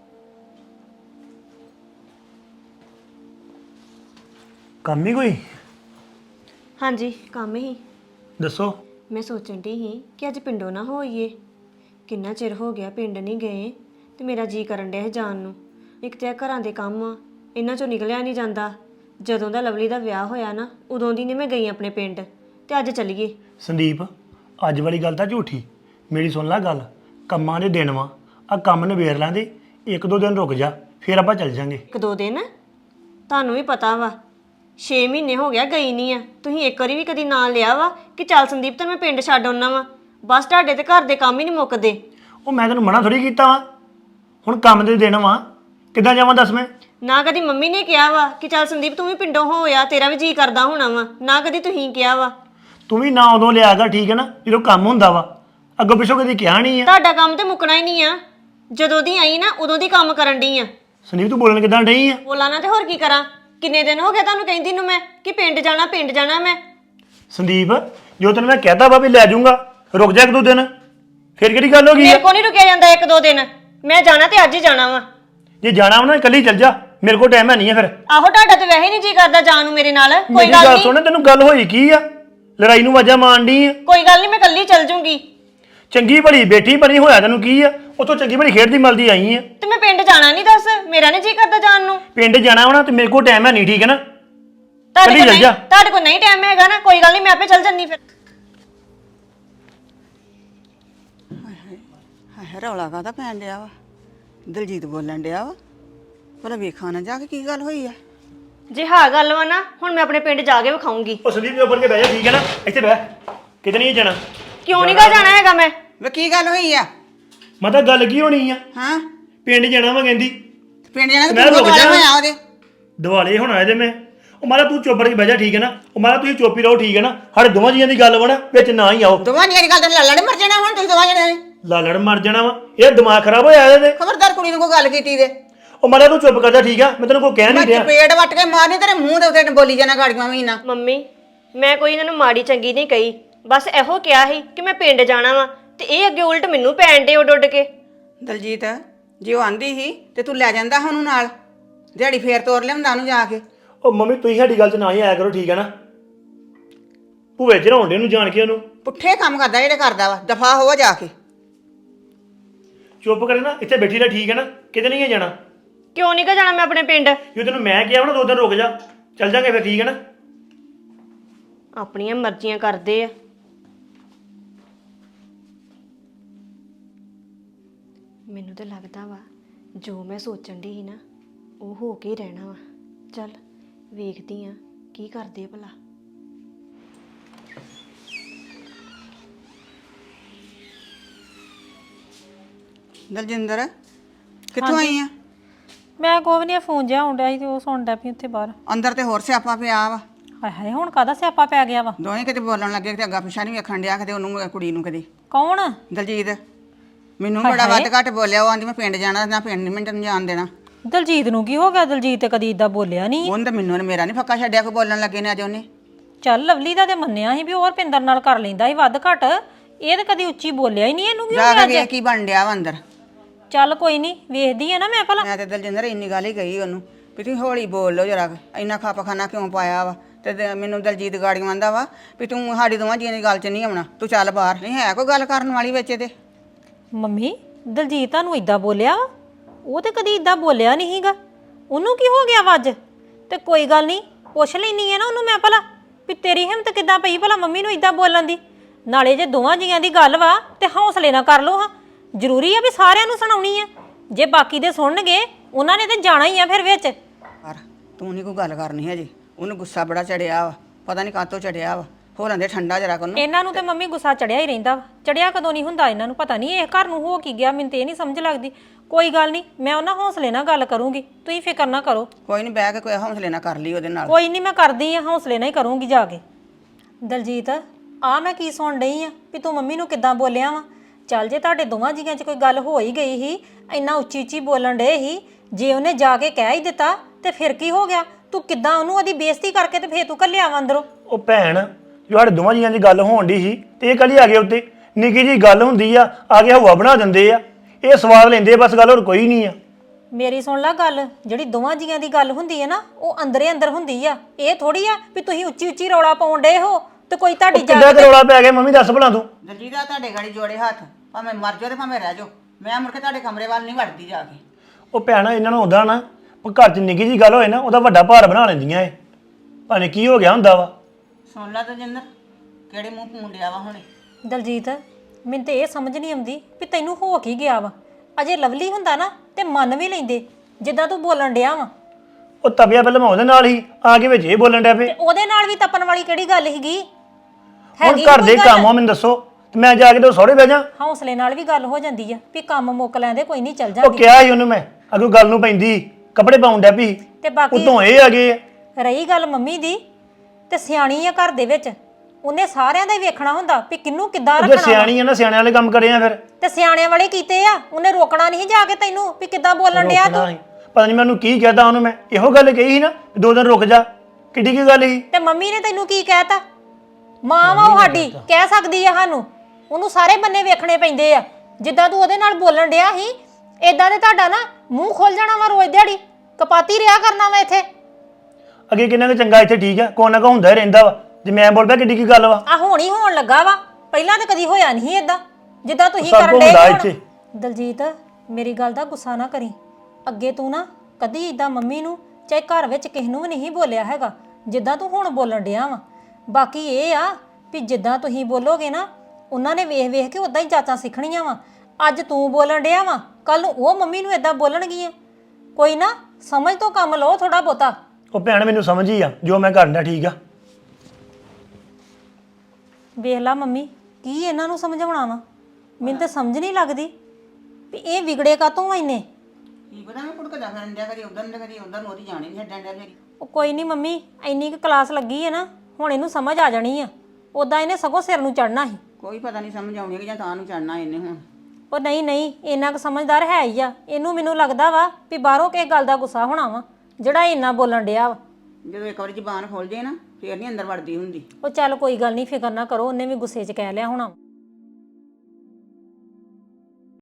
B: ਕੰਮ ਹੀ ਕੋਈ?
C: ਹਾਂਜੀ ਕੰਮ ਹੀ।
B: ਦੱਸੋ।
C: ਮੈਂ ਸੋਚਣ ਡਈ ਸੀ ਕਿ ਅੱਜ ਪਿੰਡੋਂ ਨਾ ਹੋਈਏ, ਕਿੰਨਾ ਚਿਰ ਹੋ ਗਿਆ ਪਿੰਡ ਨਹੀਂ ਗਏ ਤੇ ਮੇਰਾ ਜੀ ਕਰਨ ਡਿਆ ਸੀ ਜਾਣ ਨੂੰ। ਇੱਕ ਤੇ ਆ ਘਰਾਂ ਦੇ ਕੰਮ ਆ, ਇਹਨਾਂ ਚੋਂ ਨਿਕਲਿਆ ਨਹੀਂ ਜਾਂਦਾ। ਜਦੋਂ ਦਾ ਲਵਲੀ ਦਾ ਵਿਆਹ ਹੋਇਆ ਨਾ, ਉਦੋਂ ਦੀ ਨਹੀਂ ਮੈਂ ਗਈ ਆਪਣੇ ਪਿੰਡ, ਤੇ ਅੱਜ ਚੱਲੀਏ।
B: ਸੰਦੀਪ ਅੱਜ ਵਾਲੀ ਗੱਲ ਤਾਂ ਝੂਠੀ, ਮੇਰੀ ਸੁਣ ਲੈ ਗੱਲ। ਕੰਮਾਂ ਦੇ ਦਿਨ ਵਾ, ਆ ਕੰਮ ਨਿਬੇੜ ਲਾਂਦੇ, 1-2 ਦਿਨ ਰੁਕ ਜਾ, ਫਿਰ ਆਪਾਂ ਚੱਲ ਜਾਂਗੇ।
C: 1-2 ਦਿਨ? ਤੁਹਾਨੂੰ ਵੀ ਪਤਾ ਵਾ 6 ਮਹੀਨੇ ਹੋ ਗਿਆ ਗਈ ਨਹੀਂ ਆ। ਤੁਸੀਂ ਇੱਕ ਵਾਰੀ ਵੀ ਕਦੀ ਨਾਂ ਲਿਆ ਵਾ ਕਿ ਚੱਲ ਸੰਦੀਪ ਤੈਨੂੰ ਮੈਂ ਪਿੰਡ ਛੱਡ ਆਉਣਾ ਵਾ? ਬਸ ਤੁਹਾਡੇ ਤੇ ਘਰ ਦੇ ਕੰਮ ਹੀ ਨਹੀਂ ਮੁੱਕਦੇ।
B: ਉਹ ਮੈਂ ਤੈਨੂੰ ਮਨਾ ਥੋੜੀ ਕੀਤਾ ਵਾ, ਹੁਣ ਕੰਮ ਦੇ ਦਿਨ ਵਾ, ਕਿੱਦਾਂ ਜਾਵਾਂ ਦੱਸ ਮੈਂ?
C: ਨਾ ਕਦੀ ਮੰਮੀ ਨੇ ਕਿਹਾ ਵਾ ਕਿ ਚੱਲ ਸੰਦੀਪ ਤੂੰ ਵੀ ਪਿੰਡੋਂ ਹੋਇਆ, ਤੇਰਾ ਵੀ ਜੀ ਕਰਦਾ ਹੋਣਾ ਵਾ, ਨਾ ਕਦੀ ਤੁਸੀਂ ਕਿਹਾ ਵਾ।
B: ਤੂੰ ਵੀ ਨਾ ਉਦੋਂ ਲਿਆ ਕਰ, ਠੀਕ ਹੈ ਨਾ, ਜਦੋਂ ਕੰਮ ਹੁੰਦਾ ਵਾ। ਅੱਗੋਂ ਪਿੱਛੋਂ ਕਦੀ ਕਿਹਾ ਨਹੀਂ ਆ।
C: ਤੁਹਾਡਾ ਕੰਮ ਤੇ ਮੁੱਕਣਾ ਹੀ ਨਹੀਂ ਆ। ਜਦੋਂ ਦੀ ਆਈ ਨਾ ਉਦੋਂ ਦੀ ਕੰਮ ਕਰਨ ਡਈ ਆ।
B: ਸੰਦੀਪ ਤੂੰ ਬੋਲਣ ਕਿੱਦਾਂ ਡਈ ਆ?
C: ਬੋਲਾਂ ਨਾ ਤੇ ਹੋਰ ਕੀ ਕਰਾਂ? ਕਿੰਨੇ ਦਿਨ ਹੋ ਗਏ ਤੁਹਾਨੂੰ ਕਹਿੰਦੀ ਨੂੰ ਮੈਂ ਕਿ ਪਿੰਡ ਜਾਣਾ ਮੈਂ।
B: ਸੰਦੀਪ ਜੋ ਤੈਨੂੰ ਮੈਂ ਕਹਿਤਾ ਵਾ ਵੀ ਲੈ ਜਾਊਂਗਾ, ਰੁਕ ਜਾ 1-2 ਦਿਨ, ਫਿਰ ਕਿਹੜੀ ਗੱਲ ਹੋ ਗਈ
C: ਮੇਰੇ
B: ਆ?
C: ਕੋ ਨਹੀਂ ਰੁਕਿਆ ਜਾਂਦਾ 1-2 ਦਿਨ। ਮੈਂ ਜਾਣਾ ਤੇ ਅੱਜ ਹੀ ਜਾਣਾ ਵਾ।
B: ਜੇ ਜਾਣਾ ਵਾ ਨਾ ਇਕੱਲੀ ਚੱਲ ਜਾ, ਮੇਰੇ ਕੋਲ ਟਾਈਮ ਹੈ ਨਹੀਂ ਆ ਫਿਰ।
C: ਆਹੋ ਤੁਹਾਡਾ ਤੇ ਵੈਸੇ ਨਹੀਂ ਜੀ ਕਰਦਾ ਜਾਣ ਨੂੰ ਮੇਰੇ ਨਾਲ। ਕੋਈ
B: ਮੇਰੀ
C: ਗੱਲ
B: ਗੱਲ
C: ਨਹੀਂ,
B: ਸੁਣ, ਤੈਨੂੰ ਗੱਲ ਹੋਈ ਕੀ ਆ? ਲੜਾਈ ਨੂੰ ਵਾਜਾ ਮਾਰਨੀ ਆ?
C: ਕੋਈ ਗੱਲ ਨਹੀਂ, ਮੈਂ ਕੱਲੀ ਚੱਲ ਜੂੰਗੀ।
B: ਚੰਗੀ ਭਲੀ ਬੈਠੀ ਬਣੀ ਹੋਇਆ ਤੈਨੂੰ ਕੀ ਆ? ਉੱਥੋਂ ਚੰਗੀ ਭਲੀ ਖੇਡਦੀ ਮਲਦੀ ਆਈ ਆ।
C: ਤੇ ਮੈਂ ਪਿੰਡ ਜਾਣਾ ਨਹੀਂ, ਦੱਸ ਮੇਰਾ ਨਹੀਂ ਜੀ ਕਰਦਾ ਜਾਣ ਨੂੰ।
B: ਪਿੰਡ ਜਾਣਾ ਹੋਣਾ ਤੇ ਮੇਰੇ ਕੋਲ ਟਾਈਮ ਹੈ ਨਹੀਂ, ਠੀਕ ਹੈ ਨਾ?
C: ਤੁਹਾਡੇ
B: ਚੱਲੀ
C: ਕੋਲ
B: ਚੱਲ
C: ਨਹੀਂ,
B: ਜਾ।
C: ਤੁਹਾਡੇ ਕੋਲ ਨਹੀਂ ਟਾਈਮ ਹੈਗਾ ਨਾ, ਕੋਈ ਗੱਲ ਨਹੀਂ, ਮੈਂ ਆਪੇ ਚੱਲ ਜੰਨੀ ਫਿਰ।
A: ਹਾਏ ਰੌਲਾ ਕਾਹਦਾ ਪੈਣ ਡਿਆ ਵਾ? ਦਲਜੀਤ ਬੋਲਣ ਡਿਆ ਵਾ, ਭਲਾ ਵੇਖਾਂ ਨਾ ਜਾ ਕੇ ਕੀ ਗੱਲ ਹੋਈ ਆ।
C: ਜੇ ਹਾਂ ਗੱਲ ਵਾ ਨਾ, ਹੁਣ ਮੈਂ ਆਪਣੇ ਪਿੰਡ ਜਾ ਕੇ ਵਿਖਾਉਂਗੀ।
B: ਉਹ ਸੰਦੀਪ ਉੱਪਰ ਕੇ ਬਹਿ ਜਾ, ਠੀਕ ਹੈ ਨਾ? ਇੱਥੇ ਬਹਿ, ਕਿਤੇ ਨਹੀਂ ਜਾਣਾ।
C: ਕਿਉਂ ਨਹੀਂ ਗਾ ਜਾਣਾ ਹੈਗਾ ਮੈਂ?
A: ਵੇ ਕੀ ਗੱਲ ਹੋਈ ਆ?
B: ਮੈਂ ਤਾਂ ਗੱਲ ਕੀ ਹੋਣੀ ਆ?
A: ਹਾਂ
B: ਪਿੰਡ ਜਾਣਾ ਵਾ ਕਹਿੰਦੀ।
A: ਪਿੰਡ ਜਾਣਾ
B: ਮੈਂ
A: ਤੇ
B: ਰੁਕ
A: ਤੂੰ
B: ਜਾ।
A: ਹੋਇਆ ਉਹਦੇ।
B: ਦਿਵਾਲੇ ਹੋਣਾ ਇਹਦੇ ਮੈਂ। ਉਹ ਮਾਰਾ ਤੂੰ ਚੁੱਪ ਕੇ ਬਹਿ ਜਾ, ਠੀਕ ਹੈ ਨਾ? ਉਹ ਮਾਰਾ ਤੁਸੀਂ ਚੁੱਪ ਹੀ ਰਹੋ, ਠੀਕ ਹੈ ਨਾ? ਸਾਡੇ ਦੋਵਾਂ ਜੀਆਂ ਦੀ ਗੱਲ ਵਾ ਨਾ, ਵਿੱਚ ਨਾ ਹੀ ਆਓ।
A: ਦੋਵਾਂ ਦੀਆਂ ਦੀ ਗੱਲ ਤੇ ਲੜ ਮਰ ਜਾਣਾ ਹੁਣ ਤੁਸੀਂ ਦੋਵਾਂ ਜਣੇ ਨੇ।
B: ਲਾਲੜ ਮਰ ਜਾਣਾ ਵਾ, ਇਹ ਦਿਮਾਗ ਖਰਾਬ ਹੋਇਆ ਇਹਦੇ ਤੇ।
A: ਖਬਰਦਾਰ ਕੁੜੀ ਨੂੰ ਕੋਈ ਗੱਲ ਕੀਤੀ ਦੇ।
B: ਉਹ ਮਾੜਾ ਤੂੰ ਚੁੱਪ ਕਰ ਜਾ ਠੀਕ ਆ ਮੈਂ ਤੈਨੂੰ ਕੋਈ ਕਹਿ
A: ਮੈਂ
B: ਨਹੀਂ ਰਿਹਾ
A: ਚਪੇੜ ਵੱਟ ਕੇ ਮਾਰਨੀ ਤੇਰੇ ਮੂੰਹ ਦੇ ਉੱਤੇ ਬੋਲੀ ਜਾਣਾ ਗਾੜੀਆਂ ਵੀ ਨਾ।
C: ਮੰਮੀ ਮੈਂ ਕੋਈ ਇਹਨਾਂ ਨੂੰ ਮਾੜੀ ਚੰਗੀ ਨਹੀਂ ਕਹੀ, ਬਸ ਇਹੋ ਕਿਹਾ ਸੀ ਕਿ ਮੈਂ ਪਿੰਡ ਜਾਣਾ ਵਾ ਤੇ ਇਹ ਅੱਗੇ ਉਲਟ ਮੈਨੂੰ ਪੈਣ ਦੇ ਉੱਡ ਕੇ।
A: ਦਲਜੀਤ ਜੇ ਉਹ ਆਂਦੀ ਸੀ ਤੇ ਤੂੰ ਲੈ ਜਾਂਦਾ ਉਹਨੂੰ ਨਾਲ, ਦਿਹਾੜੀ ਫੇਰ ਤੋਰ ਲਿਆਉਂਦਾ ਉਹਨੂੰ ਜਾ ਕੇ।
B: ਉਹ ਮੰਮੀ ਤੁਸੀਂ ਸਾਡੀ ਗੱਲ 'ਚ ਨਾ ਹੀ ਆਇਆ ਕਰੋ ਠੀਕ ਹੈ ਨਾ। ਭੂਵੇ ਚੜਾਉਂਦੇ ਨੂੰ ਜਾਣ ਕੇ ਉਹਨੂੰ
A: ਪੁੱਠੇ ਕੰਮ ਕਰਦਾ ਜਿਹੜੇ ਕਰਦਾ ਵਾ, ਦਫਾ ਹੋਵਾ ਜਾ ਕੇ।
B: ਚੁੱਪ ਕਰੇ ਨਾ ਇੱਥੇ ਬੈਠੀ ਰਹਿ ਠੀਕ ਹੈ ਨਾ, ਕਿਤੇ ਨਹੀਂ ਜਾਣਾ।
C: ਕਿਉਂ ਨਹੀਂ ਗਾ ਜਾਣਾ ਮੈਂ ਆਪਣੇ ਪਿੰਡ?
B: ਜੇ ਤੈਨੂੰ ਮੈਂ ਕਿਹਾ ਵਾ ਨਾ 2 ਦਿਨ ਰੁਕ ਜਾ, ਚੱਲ ਜਾਗੇ ਫਿਰ ਠੀਕ ਹੈ ਨਾ।
C: ਆਪਣੀਆਂ ਮਰਜ਼ੀਆਂ ਕਰਦੇ ਆ। ਮੈਨੂੰ ਤਾਂ ਲੱਗਦਾ ਵਾ ਜੋ ਮੈਂ ਸੋਚਣ ਦੀ ਸੀ ਨਾ ਉਹ ਹੋ ਕੇ ਹੀ ਰਹਿਣਾ ਵਾ। ਚੱਲ ਵੇਖਦੀ ਆ ਕੀ ਕਰਦੇ ਭਲਾ।
A: ਦਲਜਿੰਦਰ ਕਿੱਥੋਂ ਆਈ ਆ?
E: ਮੈਂ ਕੋਈ ਨਹੀਂ ਫੋਨ ਜਿਹਾ ਆਉਂਦਾ ਸੀ ਤੇ ਉਹ ਸੁਣਦਾ ਪਈ ਉੱਥੇ ਬਾਹਰ।
A: ਅੰਦਰ ਤੇ ਹੋਰ ਸਿਆਪਾ ਪਿਆ ਵਾ।
E: ਹਾਏ ਹਾਏ ਹੁਣ ਕਾਹਦਾ ਸਿਆਪਾ ਪੈ ਗਿਆ ਵਾ?
A: ਦੋਵੇਂ ਕਿਤੇ ਬੋਲਣ ਲੱਗੇ ਤੇ ਅੱਗਾ ਪਿਛਾ ਨਹੀਂ ਵੇਖਣ ਡਿਆ, ਕਿਤੇ ਉਹਨੂੰ ਕੁੜੀ ਨੂੰ ਕਦੇ।
E: ਕੌਣ?
A: ਦਲਜੀਤ ਮੈਨੂੰ ਬੜਾ ਵੱਧ ਘੱਟ ਬੋਲਿਆ, ਉਹ ਆਂਦੀ ਮੈਂ ਪਿੰਡ ਜਾਣਾ, ਨਾ ਪਿੰਡ ਨਹੀਂ ਮੈਂ ਤੈਨੂੰ ਜਾਣ ਦੇਣਾ।
E: ਦਲਜੀਤ ਨੂੰ ਕੀ ਹੋ ਗਿਆ? ਦਲਜੀਤ ਤੇ ਕਦੀ ਇਦਾਂ ਬੋਲਿਆ ਨਹੀਂ।
A: ਉਹਨੇ ਤਾਂ ਮੈਨੂੰ ਨੇ ਮੇਰਾ ਨਹੀਂ ਫੱਕਾ ਛੱਡਿਆ, ਕੋਈ ਬੋਲਣ ਲੱਗੇ ਨੇ ਅੱਜ ਉਹਨੇ।
E: ਚੱਲ ਲਵਲੀ ਦਾ ਤੇ ਮੰਨਿਆ ਸੀ ਵੀ ਉਹ ਰਪਿੰਦਰ ਨਾਲ ਕਰ ਲੈਂਦਾ ਸੀ ਵੱਧ ਘੱਟ, ਇਹ ਤੇ ਕਦੀ ਉੱਚੀ ਬੋਲਿਆ ਹੀ ਨਹੀਂ। ਇਹਨੂੰ ਕੀ ਹੋ
A: ਜਾ
E: ਗਿਆ
A: ਕੇ ਵੇਖ ਕੀ ਬਣ ਡਿਆ ਵਾ ਅੰਦਰ।
E: ਚੱਲ ਕੋਈ ਨਹੀਂ ਵੇਖਦੀ ਆ ਨਾ ਮੈਂ ਭਲਾ।
A: ਮੈਂ ਤੇ ਦਲਜਿੰਦਰ ਇੰਨੀ ਗੱਲ ਹੀ ਕਹੀ ਉਹਨੂੰ ਵੀ ਤੂੰ ਹੌਲੀ ਬੋਲ ਲਓ ਜਰਾ, ਇੰਨਾ ਖੱਪਖਾਨਾ ਕਿਉਂ ਪਾਇਆ ਵਾ। ਤੇ ਮੈਨੂੰ ਦਲਜੀਤ ਗਾੜੀਆਂ ਆਂਦਾ ਵਾ ਵੀ ਤੂੰ ਸਾਡੀ ਦੋਵਾਂ ਜੀਆਂ ਦੀ ਗੱਲ 'ਚ ਨਹੀਂ ਆਉਣਾ, ਤੂੰ ਚੱਲ ਬਾਹਰ। ਨਹੀਂ ਹੈ ਕੋਈ ਗੱਲ ਕਰਨ ਵਾਲੀ ਵਿੱਚ ਇਹਦੇ।
E: ਮੰਮੀ ਦਲਜੀਤ ਤੁਹਾਨੂੰ ਇਦਾਂ ਬੋਲਿਆ? ਉਹ ਤੇ ਕਦੀ ਇਦਾਂ ਬੋਲਿਆ ਨਹੀਂ ਸੀਗਾ। ਉਹਨੂੰ ਕੀ ਹੋ ਗਿਆ ਵਾ ਅੱਜ? ਤੇ ਕੋਈ ਗੱਲ ਨਹੀਂ ਪੁੱਛ ਲੈਣੀ ਹੈ ਨਾ ਉਹਨੂੰ ਮੈਂ ਭਲਾ ਵੀ ਤੇਰੀ ਹਿੰਮਤ ਕਿੱਦਾਂ ਪਈ ਭਲਾ ਮੰਮੀ ਨੂੰ ਇਦਾਂ ਬੋਲਣ ਦੀ। ਨਾਲੇ ਜੇ ਦੋਵਾਂ ਜੀਆਂ ਦੀ ਗੱਲ ਵਾ ਤੇ ਹੌਸਲੇ ਨਾਲ ਕਰ ਲਓ। ਹਾਂ ਜ਼ਰੂਰੀ ਆ ਵੀ ਸਾਰਿਆਂ ਨੂੰ ਸੁਣਾਉਣੀ ਆ? ਜੇ ਬਾਕੀ ਦੇ ਸੁਣਨਗੇ ਉਹਨਾਂ ਨੇ ਤੇ ਜਾਣਾ ਹੀ ਆ ਫਿਰ ਵਿੱਚ।
A: ਪਰ ਤੂੰ ਨਹੀਂ ਕੋਈ ਗੱਲ ਕਰਨੀ ਹਜੇ, ਉਹਨੂੰ ਗੁੱਸਾ ਬੜਾ ਚੜਿਆ ਵਾ, ਪਤਾ ਨਹੀਂ ਕਾਹਤੋਂ ਚੜਿਆ ਵਾ। ਹੋ ਲੈਂਦੇ ਠੰਡਾ ਜਰਾ ਕੋਨੂੰ।
E: ਇਹਨਾਂ ਨੂੰ ਤੇ ਮੰਮੀ ਗੁੱਸਾ ਚੜਿਆ ਹੀ ਰਹਿੰਦਾ ਵਾ, ਚੜਿਆ ਕਦੋਂ ਨਹੀਂ ਹੁੰਦਾ ਇਹਨਾਂ ਨੂੰ। ਪਤਾ ਨਹੀਂ ਇਹ ਘਰ ਨੂੰ ਹੋ ਕੀ ਗਿਆ, ਮੈਨੂੰ ਤੇ ਇਹ ਨਹੀਂ ਸਮਝ ਲੱਗਦੀ। ਕੋਈ ਗੱਲ ਨਹੀਂ ਮੈਂ ਉਹਨਾਂ ਹੌਸਲੇ ਨਾਲ ਗੱਲ ਕਰੂੰਗੀ, ਤੁਸੀਂ ਫਿਕਰ ਨਾ ਕਰੋ।
A: ਕੋਈ ਨਹੀਂ ਬਹਿ ਕੇ ਕੋਈ ਹੌਸਲੇ ਨਾਲ ਕਰ ਲਈ ਉਹਦੇ ਨਾਲ।
E: ਕੋਈ ਨਹੀਂ ਮੈਂ ਕਰਦੀ ਆ, ਹੌਸਲੇ ਨਾਲ ਹੀ ਕਰੂੰਗੀ ਜਾ ਕੇ। ਦਲਜੀਤ ਆ ਮੈਂ ਕੀ ਸੁਣ ਡਈ ਆ ਵੀ ਤੂੰ ਮੰਮੀ ਨੂੰ ਕਿੱਦਾਂ ਬੋਲਿਆ ਵਾ? ਚੱਲ ਜੇ ਤੁਹਾਡੇ ਦੋਵਾਂ ਜੀਆਂ 'ਚ ਕੋਈ ਗੱਲ ਹੋ ਹੀ ਗਈ ਸੀ, ਇੰਨਾ ਉੱਚੀ ਉੱਚੀ ਬੋਲਣ ਡੇ ਸੀ, ਜੇ ਉਹਨੇ ਜਾ ਕੇ ਕਹਿ ਹੀ ਦਿੱਤਾ ਤੇ ਫਿਰ ਕੀ ਹੋ ਗਿਆ? ਤੂੰ ਕਿੱਦਾਂ ਉਹਨੂੰ ਉਹਦੀ ਬੇਇੱਜ਼ਤੀ ਕਰਕੇ ਤੇ ਫੇਰ ਤੂੰ ਘੱਲਿਆ ਵਾ ਅੰਦਰੋਂ?
B: ਉਹ ਭੈਣ ਜੋ ਸਾਡੇ ਦੋਵਾਂ ਜੀਆਂ ਦੀ ਗੱਲ ਹੋਣ ਦੀ ਸੀ ਤੇ ਇਹ ਕੱਲੀ ਆ ਗਏ ਉੱਤੇ। ਨਿੱਕੀ ਜੀ ਗੱਲ ਹੁੰਦੀ ਆ ਕੇ ਹਵਾ ਬਣਾ ਦਿੰਦੇ ਆ। ਇਹ ਸਵਾਦ ਲੈਂਦੇ ਬਸ, ਗੱਲ ਹੋਰ ਕੋਈ ਨਹੀਂ ਆ।
E: ਮੇਰੀ ਸੁਣ ਲੈ ਗੱਲ, ਜਿਹੜੀ ਦੋਵਾਂ ਜੀਆਂ ਦੀ ਗੱਲ ਹੁੰਦੀ ਹੈ ਨਾ ਉਹ ਅੰਦਰੇ ਅੰਦਰ ਹੁੰਦੀ ਆ। ਇਹ ਥੋੜੀ ਆ ਵੀ ਤੁਸੀਂ ਉੱਚੀ ਉੱਚੀ ਰੌਲਾ ਪਾਉਣ ਡੇ ਹੋ ਤੇ ਕੋਈ ਤੁਹਾਡੀ
B: ਕਿੱਦਾਂ ਰੌਲਾ ਪੈ ਗਿਆ ਮੰਮੀ ਦੱਸ ਭਲਾ ਤੂੰ।
A: ਦਲਜੀਤ ਆ ਤੁਹਾਡੇ ਗਾੜੀ ਜੋੜੇ ਹੱਥ, ਭਾਵੇਂ ਮਰ ਜਾਓ ਤੇ ਭਾਵੇਂ ਰਹਿ ਜਾਓ, ਮੈਂ ਮੁੜ ਕੇ ਤੁਹਾਡੇ ਕਮਰੇ ਵੱਲ ਨਹੀਂ ਵੜਦੀ ਜਾ ਕੇ।
B: ਉਹ ਭੈਣ ਇਹਨਾਂ ਨੂੰ ਉਦਾਂ ਨਾ ਘਰ 'ਚ ਨਿੱਕੀ ਜੀ ਗੱਲ ਹੋਏ ਨਾ ਉਹਦਾ ਵੱਡਾ ਭਾਰ ਬਣਾ ਲੈਂਦੀਆਂ ਇਹ। ਭਾਵੇਂ ਕੀ ਹੋ ਗਿਆ ਹੁੰਦਾ ਵਾ।
A: ਸੁਣ ਲੈ ਦਲਜਿੰਦਰ ਕਿਹੜੇ ਮੂੰਹ ਪੂੰਡਿਆ ਵਾ ਹੁਣੇ।
E: ਦਲਜੀਤ ਮੈਨੂੰ ਤੇ ਇਹ ਸਮਝ ਨਹੀਂ ਆਉਂਦੀ ਵੀ ਤੈਨੂੰ ਹੋ ਕੀ ਗਿਆ ਵਾ। ਅਜੇ ਲਵਲੀ ਹੁੰਦਾ ਨਾ ਤੇ ਮੰਨ ਵੀ ਲੈਂਦੇ ਜਿੱਦਾਂ ਤੂੰ ਬੋਲਣ ਡਿਆ ਵਾ।
B: ਉਹ ਤਬਿਆ ਪਹਿਲਾਂ ਮੈਂ ਉਹਦੇ ਨਾਲ ਹੀ ਆ ਕੇ ਵਿੱਚ ਇਹ ਬੋਲਣ ਡਿਆ ਪਏ।
E: ਤੇ ਉਹਦੇ ਨਾਲ ਵੀ ਤਪਣ ਵਾਲੀ ਕਿਹੜੀ ਗੱਲ ਸੀਗੀ?
B: ਹੁਣ ਘਰ ਦੇ ਕੰਮ ਆ ਮੈਨੂੰ ਦੱਸੋ ਤੇ ਮੈਂ ਜਾ ਕੇ ਤੇ ਸਹੁਰੇ ਬਹਿ ਜਾ?
E: ਹੌਸਲੇ ਨਾਲ ਵੀ ਗੱਲ ਹੋ ਜਾਂਦੀ ਆ ਵੀ ਕੰਮ ਮੁੱਕ ਲੈਂਦੇ ਕੋਈ ਨਹੀਂ ਚੱਲ
B: ਉਹ
E: ਜਾਂਦੀ।
B: ਕਿਹਾ ਸੀ ਉਹਨੂੰ ਮੈਂ ਅਗੋ ਗੱਲ ਨੂੰ ਪੈਂਦੀ ਕੱਪੜੇ ਪਾਉਣ ਡਿਆ ਪਈ
E: ਤੇ ਬਾਕੀ
B: ਉਤੋਂ ਇਹ ਆ ਗਏ।
E: ਰਹੀ ਗੱਲ ਮੰਮੀ ਦੀ ਤੇ ਸਿਆਣੀ ਆ ਘਰ ਦੇ ਵਿੱਚ, ਉਹਨੇ ਸਾਰਿਆਂ ਦਾ ਹੀ ਵੇਖਣਾ ਹੁੰਦਾ ਵੀ ਕਿੰਨੂੰ ਕਿੱਦਾਂ
B: ਜੇ
E: ਰੱਖਣਾ ਵਾ।
B: ਸਿਆਣੀ ਆ ਨਾ ਸਿਆਣੇ ਵਾਲੇ ਕੰਮ ਕਰੇ ਆ ਫਿਰ।
E: ਤੇ ਸਿਆਣਿਆਂ ਵਾਲੇ ਕੀਤੇ ਆ, ਉਹਨੇ ਰੋਕਣਾ ਨਹੀਂ ਜਾ ਕੇ ਤੈਨੂੰ ਵੀ ਕਿੱਦਾਂ ਬੋਲਣ ਡਿਆ
B: ਰੋਕਣਾ
E: ਤੂੰ।
B: ਸੀ। ਪਤਾ ਨਹੀਂ ਮੈਨੂੰ ਕੀ ਕਹਿਤਾ ਉਹਨੂੰ, ਮੈਂ ਇਹੋ ਗੱਲ ਕਹੀ ਸੀ ਨਾ 2 ਦਿਨ ਰੁਕ ਜਾ। ਕਿੱਡੀ ਕੀ ਗੱਲ ਸੀ?
E: ਤੇ ਮੰਮੀ ਨੇ ਤੈਨੂੰ ਕੀ ਕਹਿਤਾ? ਮਾਂ ਵਾ ਉਹ ਸਾਡੀ, ਕਹਿ ਸਕਦੀ ਆ ਸਾਨੂੰ। ਉਹਨੂੰ ਸਾਰੇ ਬੰਨੇ ਵੇਖਣੇ ਪੈਂਦੇ ਆ। ਜਿੱਦਾਂ ਤੂੰ ਉਹਦੇ ਨਾਲ ਬੋਲਣ ਡਿਆ ਸੀ ਏਦਾਂ ਦੇ ਤੁਹਾਡਾ ਨਾ ਮੂੰਹ ਖੁੱਲ ਜਾਣਾ ਵਾ ਰੋਜ਼ ਦਿਹਾੜੀ, ਕਪਾਤੀ ਰਿਹਾ ਕਰਨਾ ਵਾ ਇੱਥੇ।
B: ਅੱਗੇ ਕਿੰਨਾ ਕੁ ਚੰਗਾ ਇੱਥੇ ਠੀਕ ਆ, ਕੋਈ ਨਾ ਕੋ ਹੁੰਦਾ ਹੀ ਰਹਿੰਦਾ ਵਾ। ਜੇ ਮੈਂ ਬੋਲ ਪਿਆ ਕਿੱਡੀ ਕੀ ਗੱਲ ਵਾ?
E: ਆ ਹੁਣ ਹੀ ਹੋਣ ਲੱਗਾ ਵਾ, ਪਹਿਲਾਂ ਤਾਂ ਕਦੀ ਹੋਇਆ ਨਹੀਂ ਏਦਾਂ ਜਿੱਦਾਂ ਤੁਸੀਂ
B: ਸਭ
E: ਕਰਨ
B: ਹੁੰਦਾ
E: ਡੇ
B: ਇੱਥੇ।
E: ਦਲਜੀਤ ਮੇਰੀ ਗੱਲ ਦਾ ਗੁੱਸਾ ਨਾ ਕਰੀ। ਅੱਗੇ ਤੂੰ ਨਾ ਕਦੀ ਇਦਾਂ ਮੰਮੀ ਨੂੰ ਚਾਹੇ ਘਰ ਵਿੱਚ ਕਿਸੇ ਨੂੰ ਵੀ ਨਹੀਂ ਬੋਲਿਆ ਹੈਗਾ ਜਿੱਦਾਂ ਤੂੰ ਹੁਣ ਬੋਲਣ ਡਿਆ ਵਾ। ਬਾਕੀ ਇਹ ਆ ਵੀ ਜਿੱਦਾਂ ਤੁਸੀਂ ਬੋਲੋਗੇ ਨਾ ਉਹਨਾਂ ਨੇ ਵੇਖ ਵੇਖ ਕੇ ਉਦਾਂ ਹੀ ਜਾਚਾਂ ਸਿੱਖਣੀਆਂ ਵਾ। ਅੱਜ ਤੂੰ ਬੋਲਣ ਡਿਆ ਵਾ, ਕੱਲ ਨੂੰ ਉਹ ਮੰਮੀ ਨੂੰ ਇਦਾਂ ਬੋਲਣਗੀਆਂ। ਕੋਈ ਨਾ ਸਮਝ ਤੋਂ ਕੰਮ ਲਓ ਥੋੜਾ ਬਹੁਤਾ।
B: ਉਹ ਭੈਣ ਮੈਨੂੰ ਸਮਝ ਹੀ ਆ ਜੋ ਮੈਂ ਕਰਨ ਡਿਆ ਠੀਕ ਆ।
E: ਵੇਖ ਲਾ ਮੰਮੀ ਕੀ ਇਹਨਾਂ ਨੂੰ ਸਮਝਾਉਣਾ ਵਾ, ਮੈਨੂੰ ਤਾਂ ਸਮਝ ਨਹੀਂ ਲੱਗਦੀ ਵੀ ਇਹ ਵਿਗੜੇ ਕਾਤੋਂ ਆ ਇੰਨੇ।
A: ਕੀ ਪਤਾ ਮੈਂ ਕੁੜਕਦਾ ਫਿਰਨ ਡਿਆ, ਕਦੀ ਉਧਰ ਨੂੰ ਕਦੀ ਉਧਰ ਨੂੰ, ਉਹਦੀ ਜਾਣੀ ਨਹੀਂ ਛੱਡਣ ਡਿਆ ਮੇਰੀ।
E: ਉਹ ਕੋਈ ਨਹੀਂ ਮੰਮੀ, ਇੰਨੀ ਕੁ ਕਲਾਸ ਲੱਗੀ ਹੈ ਨਾ ਹੁਣ ਇਹਨੂੰ ਸਮਝ ਆ ਜਾਣੀ ਆ। ਉਦਾਂ ਇਹਨੇ ਸਗੋਂ ਸਿਰ ਨੂੰ ਚੜਨਾ ਸੀ।
A: ਕੋਈ ਪਤਾ ਨਹੀਂ ਸਮਝ ਆਉਣੀ ਕਿ ਜਾਂ ਤਾਂ ਨੂੰ ਚੜਨਾ ਇਹਨੇ ਹੁਣ।
E: ਉਹ ਨਹੀਂ ਨਹੀਂ ਇੰਨਾ ਕੁ ਸਮਝਦਾਰ ਹੈ ਹੀ ਆ। ਇਹਨੂੰ ਮੈਨੂੰ ਲੱਗਦਾ ਵਾ ਵੀ ਬਾਹਰੋਂ ਕਿਸੇ ਗੱਲ ਦਾ ਗੁੱਸਾ ਹੋਣਾ ਵਾ ਜਿਹੜਾ ਇੰਨਾ ਬੋਲਣ ਡਿਆ ਵਾ।
A: ਜਦੋਂ ਇੱਕ ਵਾਰੀ ਜ਼ਬਾਨ ਖੋਲ ਜੇ ਨਾ ਫੇਰ ਨਹੀਂ ਅੰਦਰ ਵੜਦੀ ਹੁੰਦੀ।
E: ਉਹ ਚੱਲ ਕੋਈ ਗੱਲ ਨਹੀਂ, ਫਿਕਰ ਨਾ ਕਰੋ, ਉਹਨੇ ਵੀ ਗੁੱਸੇ 'ਚ ਕਹਿ ਲਿਆ ਹੋਣਾ ਵਾ।